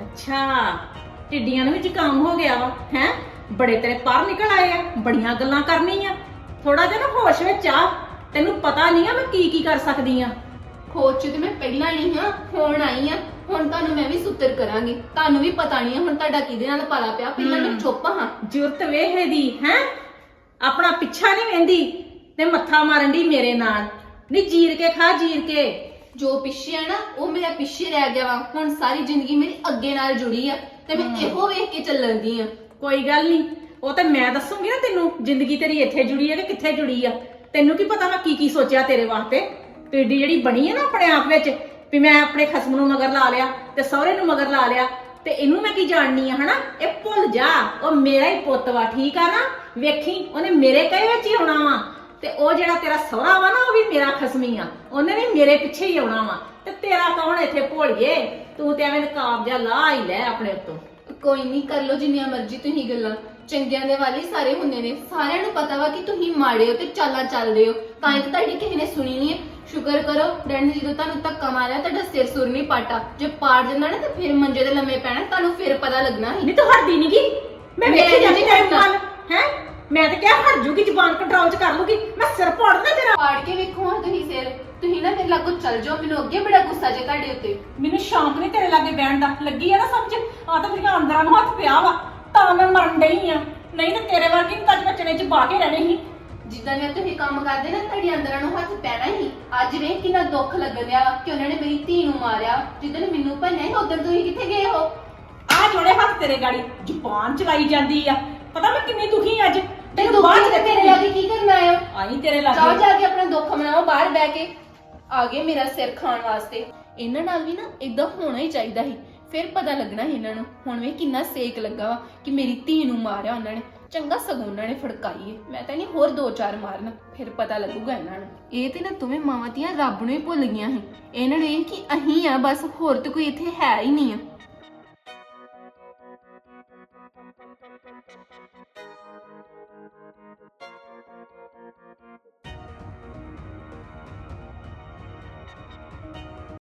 Speaker 3: ਅੱਛਾ ਟਿੱਡੀਆਂ ਨੂੰ ਵੀ ਜ਼ੁਕਾਮ ਹੋ ਗਿਆ ਵਾ ਹੈ? ਬੜੇ ਤੇਰੇ ਪਰ ਨਿਕਲ ਆਏ ਆ, ਬੜੀਆਂ ਗੱਲਾਂ ਕਰਨੀਆਂ। ਥੋੜਾ ਜਿਹਾ ਨਾ ਹੋਸ਼ ਵਿੱਚ ਆ, ਤੈਨੂੰ ਪਤਾ ਨਹੀਂ ਆ ਮੈਂ ਕੀ ਕੀ ਕਰ ਸਕਦੀ ਆ।
Speaker 4: ਖੋਜ ਚ ਤੇ ਮੈਂ ਪਹਿਲਾਂ ਨਹੀਂ ਹਾਂ, ਹੁਣ ਆਈ ਆ। ਹੁਣ ਤੁਹਾਨੂੰ ਮੈਂ ਵੀ ਸੁੱਤਰ ਕਰਾਂਗੀ। ਤੁਹਾਨੂੰ ਵੀ ਪਤਾ ਨਹੀਂ ਹੁਣ ਤੁਹਾਡਾ ਕਿਹਦੇ ਨਾਲ ਪਾਲਾ ਪਿਆ। ਪਹਿਲਾਂ ਮੈਂ ਚੁੱਪ ਹਾਂ।
Speaker 3: ਜ਼ਰੂਰਤ ਵੇਹੇ ਦੀ ਹੈ, ਆਪਣਾ ਪਿੱਛਾ ਨਹੀਂ ਵੇਂਦੀ ਤੇ ਮੱਥਾ ਮਾਰਨ ਦੀ ਮੇਰੇ ਨਾਲ। ਨਹੀਂ ਜੀਰ ਕੇ ਖਾ, ਜੀਰ ਕੇ।
Speaker 4: ਜੋ ਪਿੱਛੇ ਆ ਨਾ ਉਹ ਮੇਰਾ ਪਿੱਛੇ ਰਹਿ ਗਿਆ ਵਾ। ਹੁਣ ਸਾਰੀ ਜ਼ਿੰਦਗੀ ਮੇਰੀ ਅੱਗੇ ਨਾਲ ਜੁੜੀ ਆ ਤੇ ਮੈਂ ਇਹੋ ਵੇਖ ਕੇ ਚੱਲਣ ਦੀ ਆ।
Speaker 3: ਕੋਈ ਗੱਲ ਨਹੀਂ, ਉਹ ਤਾਂ ਮੈਂ ਦੱਸੂਗੀ ਨਾ ਤੈਨੂੰ ਜ਼ਿੰਦਗੀ ਤੇਰੀ ਇੱਥੇ ਜੁੜੀ ਹੈ ਕਿ ਕਿੱਥੇ ਜੁੜੀ ਆ। ਤੈਨੂੰ ਕੀ ਪਤਾ ਮੈਂ ਕੀ ਕੀ ਸੋਚਿਆ ਤੇਰੇ ਵਾਸਤੇ। ਪੀੜੀ ਜਿਹੜੀ ਬਣੀ ਹੈ ਨਾ ਆਪਣੇ ਆਪ ਵਿੱਚ ਵੀ ਮੈਂ ਆਪਣੇ ਖਸਮ ਨੂੰ ਮਗਰ ਲਾ ਲਿਆ ਤੇ ਸਹੁਰੇ ਨੂੰ ਮਗਰ ਲਾ ਲਿਆ ਤੇ ਇਹਨੂੰ ਮੈਂ ਕੀ ਜਾਣਨੀ ਆ ਹਨਾ। ਇਹ ਭੁੱਲ ਜਾ, ਉਹ ਮੇਰਾ ਹੀ ਪੁੱਤ ਵਾ, ਠੀਕ ਆ ਨਾ? ਵੇਖੀ ਉਹਨੇ ਮੇਰੇ ਕਹੇ ਵਿੱਚ ਹੀ ਆਉਣਾ ਵਾ ਤੇ ਉਹ ਜਿਹੜਾ ਤੇਰਾ ਸਹੁਰਾ ਵਾ ਨਾ ਉਹ ਵੀ ਮੇਰਾ ਖਸਮੀ ਆ, ਉਹਨੇ ਵੀ ਮੇਰੇ ਪਿੱਛੇ ਹੀ ਆਉਣਾ ਵਾ। ਤੇ ਤੇਰਾ ਕੌਣ ਇੱਥੇ ਭੋਲੀਏ? ਤੂੰ ਤੇ ਐਵੇਂ ਨਕਾਬ ਜਿਹਾ ਲਾ ਹੀ ਲੈ ਆਪਣੇ ਉੱਤੋਂ।
Speaker 4: ਕੋਈ ਨਹੀਂ, ਕਰ ਲਓ ਜਿੰਨੀਆਂ ਮਰਜ਼ੀ ਤੁਸੀਂ ਗੱਲਾਂ। ਚੰਗਿਆਂ ਦੇ ਵਾਲੀ ਸਾਰੇ ਹੁੰਦੇ ਨੇ। ਸਾਰਿਆਂ ਨੂੰ ਪਤਾ ਵਾ ਕਿ ਤੁਸੀਂ ਮਾੜੇ ਹੋ ਤੇ ਚਾਲਾਂ ਚੱਲਦੇ ਹੋ, ਤਾਂ ਇਹ ਤੁਹਾਡੀ ਕਿਸੇ ਨੇ ਸੁਣੀ ਨਹੀਂ ਹੈ। ਸ਼ੁਕਰ ਕਰੋ ਡੈਡ ਨੇ ਜਦੋਂ ਤੁਹਾਨੂੰ ਧੱਕਾ ਮਾਰਿਆ ਤੁਹਾਡਾ ਸਿਰ ਸੁਰ ਨਹੀਂ ਪਾਟਾ। ਜੇ ਪਾੜ ਜਾਂਦਾ ਨਾ ਤੇ ਫਿਰ ਮੰਜੇ ਦੇ ਲੰਮੇ ਪੈਣਾ, ਤੁਹਾਨੂੰ ਫਿਰ ਪਤਾ ਲੱਗਣਾ ਸੀ।
Speaker 3: ਨਹੀਂ ਤੂੰ ਹਟਦੀ ਨੀ ਗੀ, ਮੈਂ ਵੇਖੀ ਜਾਂਦੀ ਤੇਰੇ ਨਾਲ ਹੈ। ਮੈਂ ਤਾਂ ਕਿਹਾ ਹਟ ਜੂਗੀ, ਜ਼ੁਬਾਨ ਕੰਟਰੋਲ ਚ ਕਰ ਲੂਗੀ। ਮੈਂ ਸਿਰ ਪਾੜਨਾ ਤੇਰਾ।
Speaker 4: ਪਾੜ ਕੇ ਵੇਖੋ ਹਾਂ ਤੁਸੀਂ ਸਿਰ। ਤੁਸੀਂ ਨਾ ਮੇਰੇ ਲਾਗੋਂ ਚੱਲ ਜਾਓ, ਮੈਨੂੰ ਅੱਗੇ ਬੜਾ ਗੁੱਸਾ ਜੇ ਤੁਹਾਡੇ ਉੱਤੇ।
Speaker 3: ਮੈਨੂੰ ਸ਼ੌਂਕ ਨਹੀਂ ਤੇਰੇ ਲਾਗੇ ਬਹਿਣ ਦਾ, ਲੱਗੀ ਆ ਨਾ ਸਮਝ? ਆ ਤਾਂ ਮੇਰੀਆਂ ਅੰਦਰਾਂ ਨੂੰ ਹੱਥ ਪਿਆ ਵਾ ਤਾਂ ਮੈਂ ਮਰਨ ਡਈ ਆ, ਨਹੀਂ ਤਾਂ ਤੇਰੇ ਵਰਗੀ ਨੂੰ ਤਾਂ ਅੱਜ ਮੈਂ ਚਣੇ ਚ ਪਾ ਕੇ ਰਹਿਣੇ ਸੀ।
Speaker 4: ਜਿੱਦਾਂ ਨੇ ਤੁਸੀਂ ਕੰਮ ਕਰਦੇ ਨਾ ਤੁਹਾਡੇ ਅੰਦਰਾਂ ਨੂੰ ਹੱਥ ਪੈਣਾ ਹੀ। ਅੱਜ ਵੇਖ ਕਿੰਨਾ ਦੁੱਖ ਲੱਗਣ ਡਿਆ ਵਾ ਕਿ ਉਹਨਾਂ ਨੇ ਮੇਰੀ ਧੀ ਨੂੰ ਮਾਰਿਆ। ਜਿੱਦਾਂ ਮੈਨੂੰ ਭੰਨਿਆ ਸੀ ਉਦੋਂ ਤੁਸੀਂ ਕਿੱਥੇ ਗਏ ਹੋ?
Speaker 3: ਆ ਜੋੜੇ ਹੱਥ ਤੇਰੇ ਗਾੜੀ ਜ਼ੁਬਾਨ ਚਲਾਈ ਜਾਂਦੀ ਆ। ਪਤਾ ਮੈਂ ਕਿੰਨੀ ਦੁਖੀ ਅੱਜ।
Speaker 4: ਤੈਨੂੰ ਬਾਹਰ ਚ ਮੇਰੇ ਲਾਗੇ ਕੀ ਕਰਨ ਆਏ ਹੋ?
Speaker 3: ਆਈ ਤੇਰੇ
Speaker 4: ਜਾਓ
Speaker 3: ਲਾਗੇ।
Speaker 4: ਜਾ ਕੇ ਆਪਣਾ ਦੁੱਖ ਮਨਾਓ ਬਾਹਰ ਬਹਿ ਕੇ। ਆ ਗਏ ਮੇਰਾ ਸਿਰ ਖਾਣ ਵਾਸਤੇ। ਇਹਨਾਂ ਨਾਲ ਵੀ ਨਾ ਇਦਾਂ ਹੋਣਾ ਹੀ ਚਾਹੀਦਾ ਸੀ, ਫਿਰ ਪਤਾ ਲੱਗਣਾ ਸੀ ਇਹਨਾਂ ਨੂੰ। ਹੁਣ ਵੇ ਕਿੰਨਾ ਸੇਕ ਲੱਗਾ ਵਾ ਕਿ ਮੇਰੀ ਧੀ ਨੂੰ ਮਾਰਿਆ ਉਹਨਾਂ ਨੇ। ਚੰਗਾ ਸਗੋਂ ਉਹਨਾਂ ਨੇ ਫੜਕਾਈ ਏ। ਮੈਂ ਤਾਂ ਨਹੀਂ ਹੋਰ ਦੋ ਚਾਰ ਮਾਰਨ, ਫਿਰ ਪਤਾ ਲੱਗੂਗਾ ਇਹਨਾਂ ਨੂੰ। ਇਹ ਤੇ ਨਾ ਤੁਮੇ ਮਾਵਾਂ ਧੀਆਂ ਰੱਬ ਨੂੰ ਹੀ ਭੁੱਲ ਗਈਆਂ ਸੀ। ਇਹਨਾਂ ਨੂੰ ਇਹ ਕਿ ਅਹੀਂ ਆ ਬਸ, ਹੋਰ ਤਾਂ ਕੋਈ ਇੱਥੇ ਹੈ ਹੀ ਨਹੀਂ ਆ।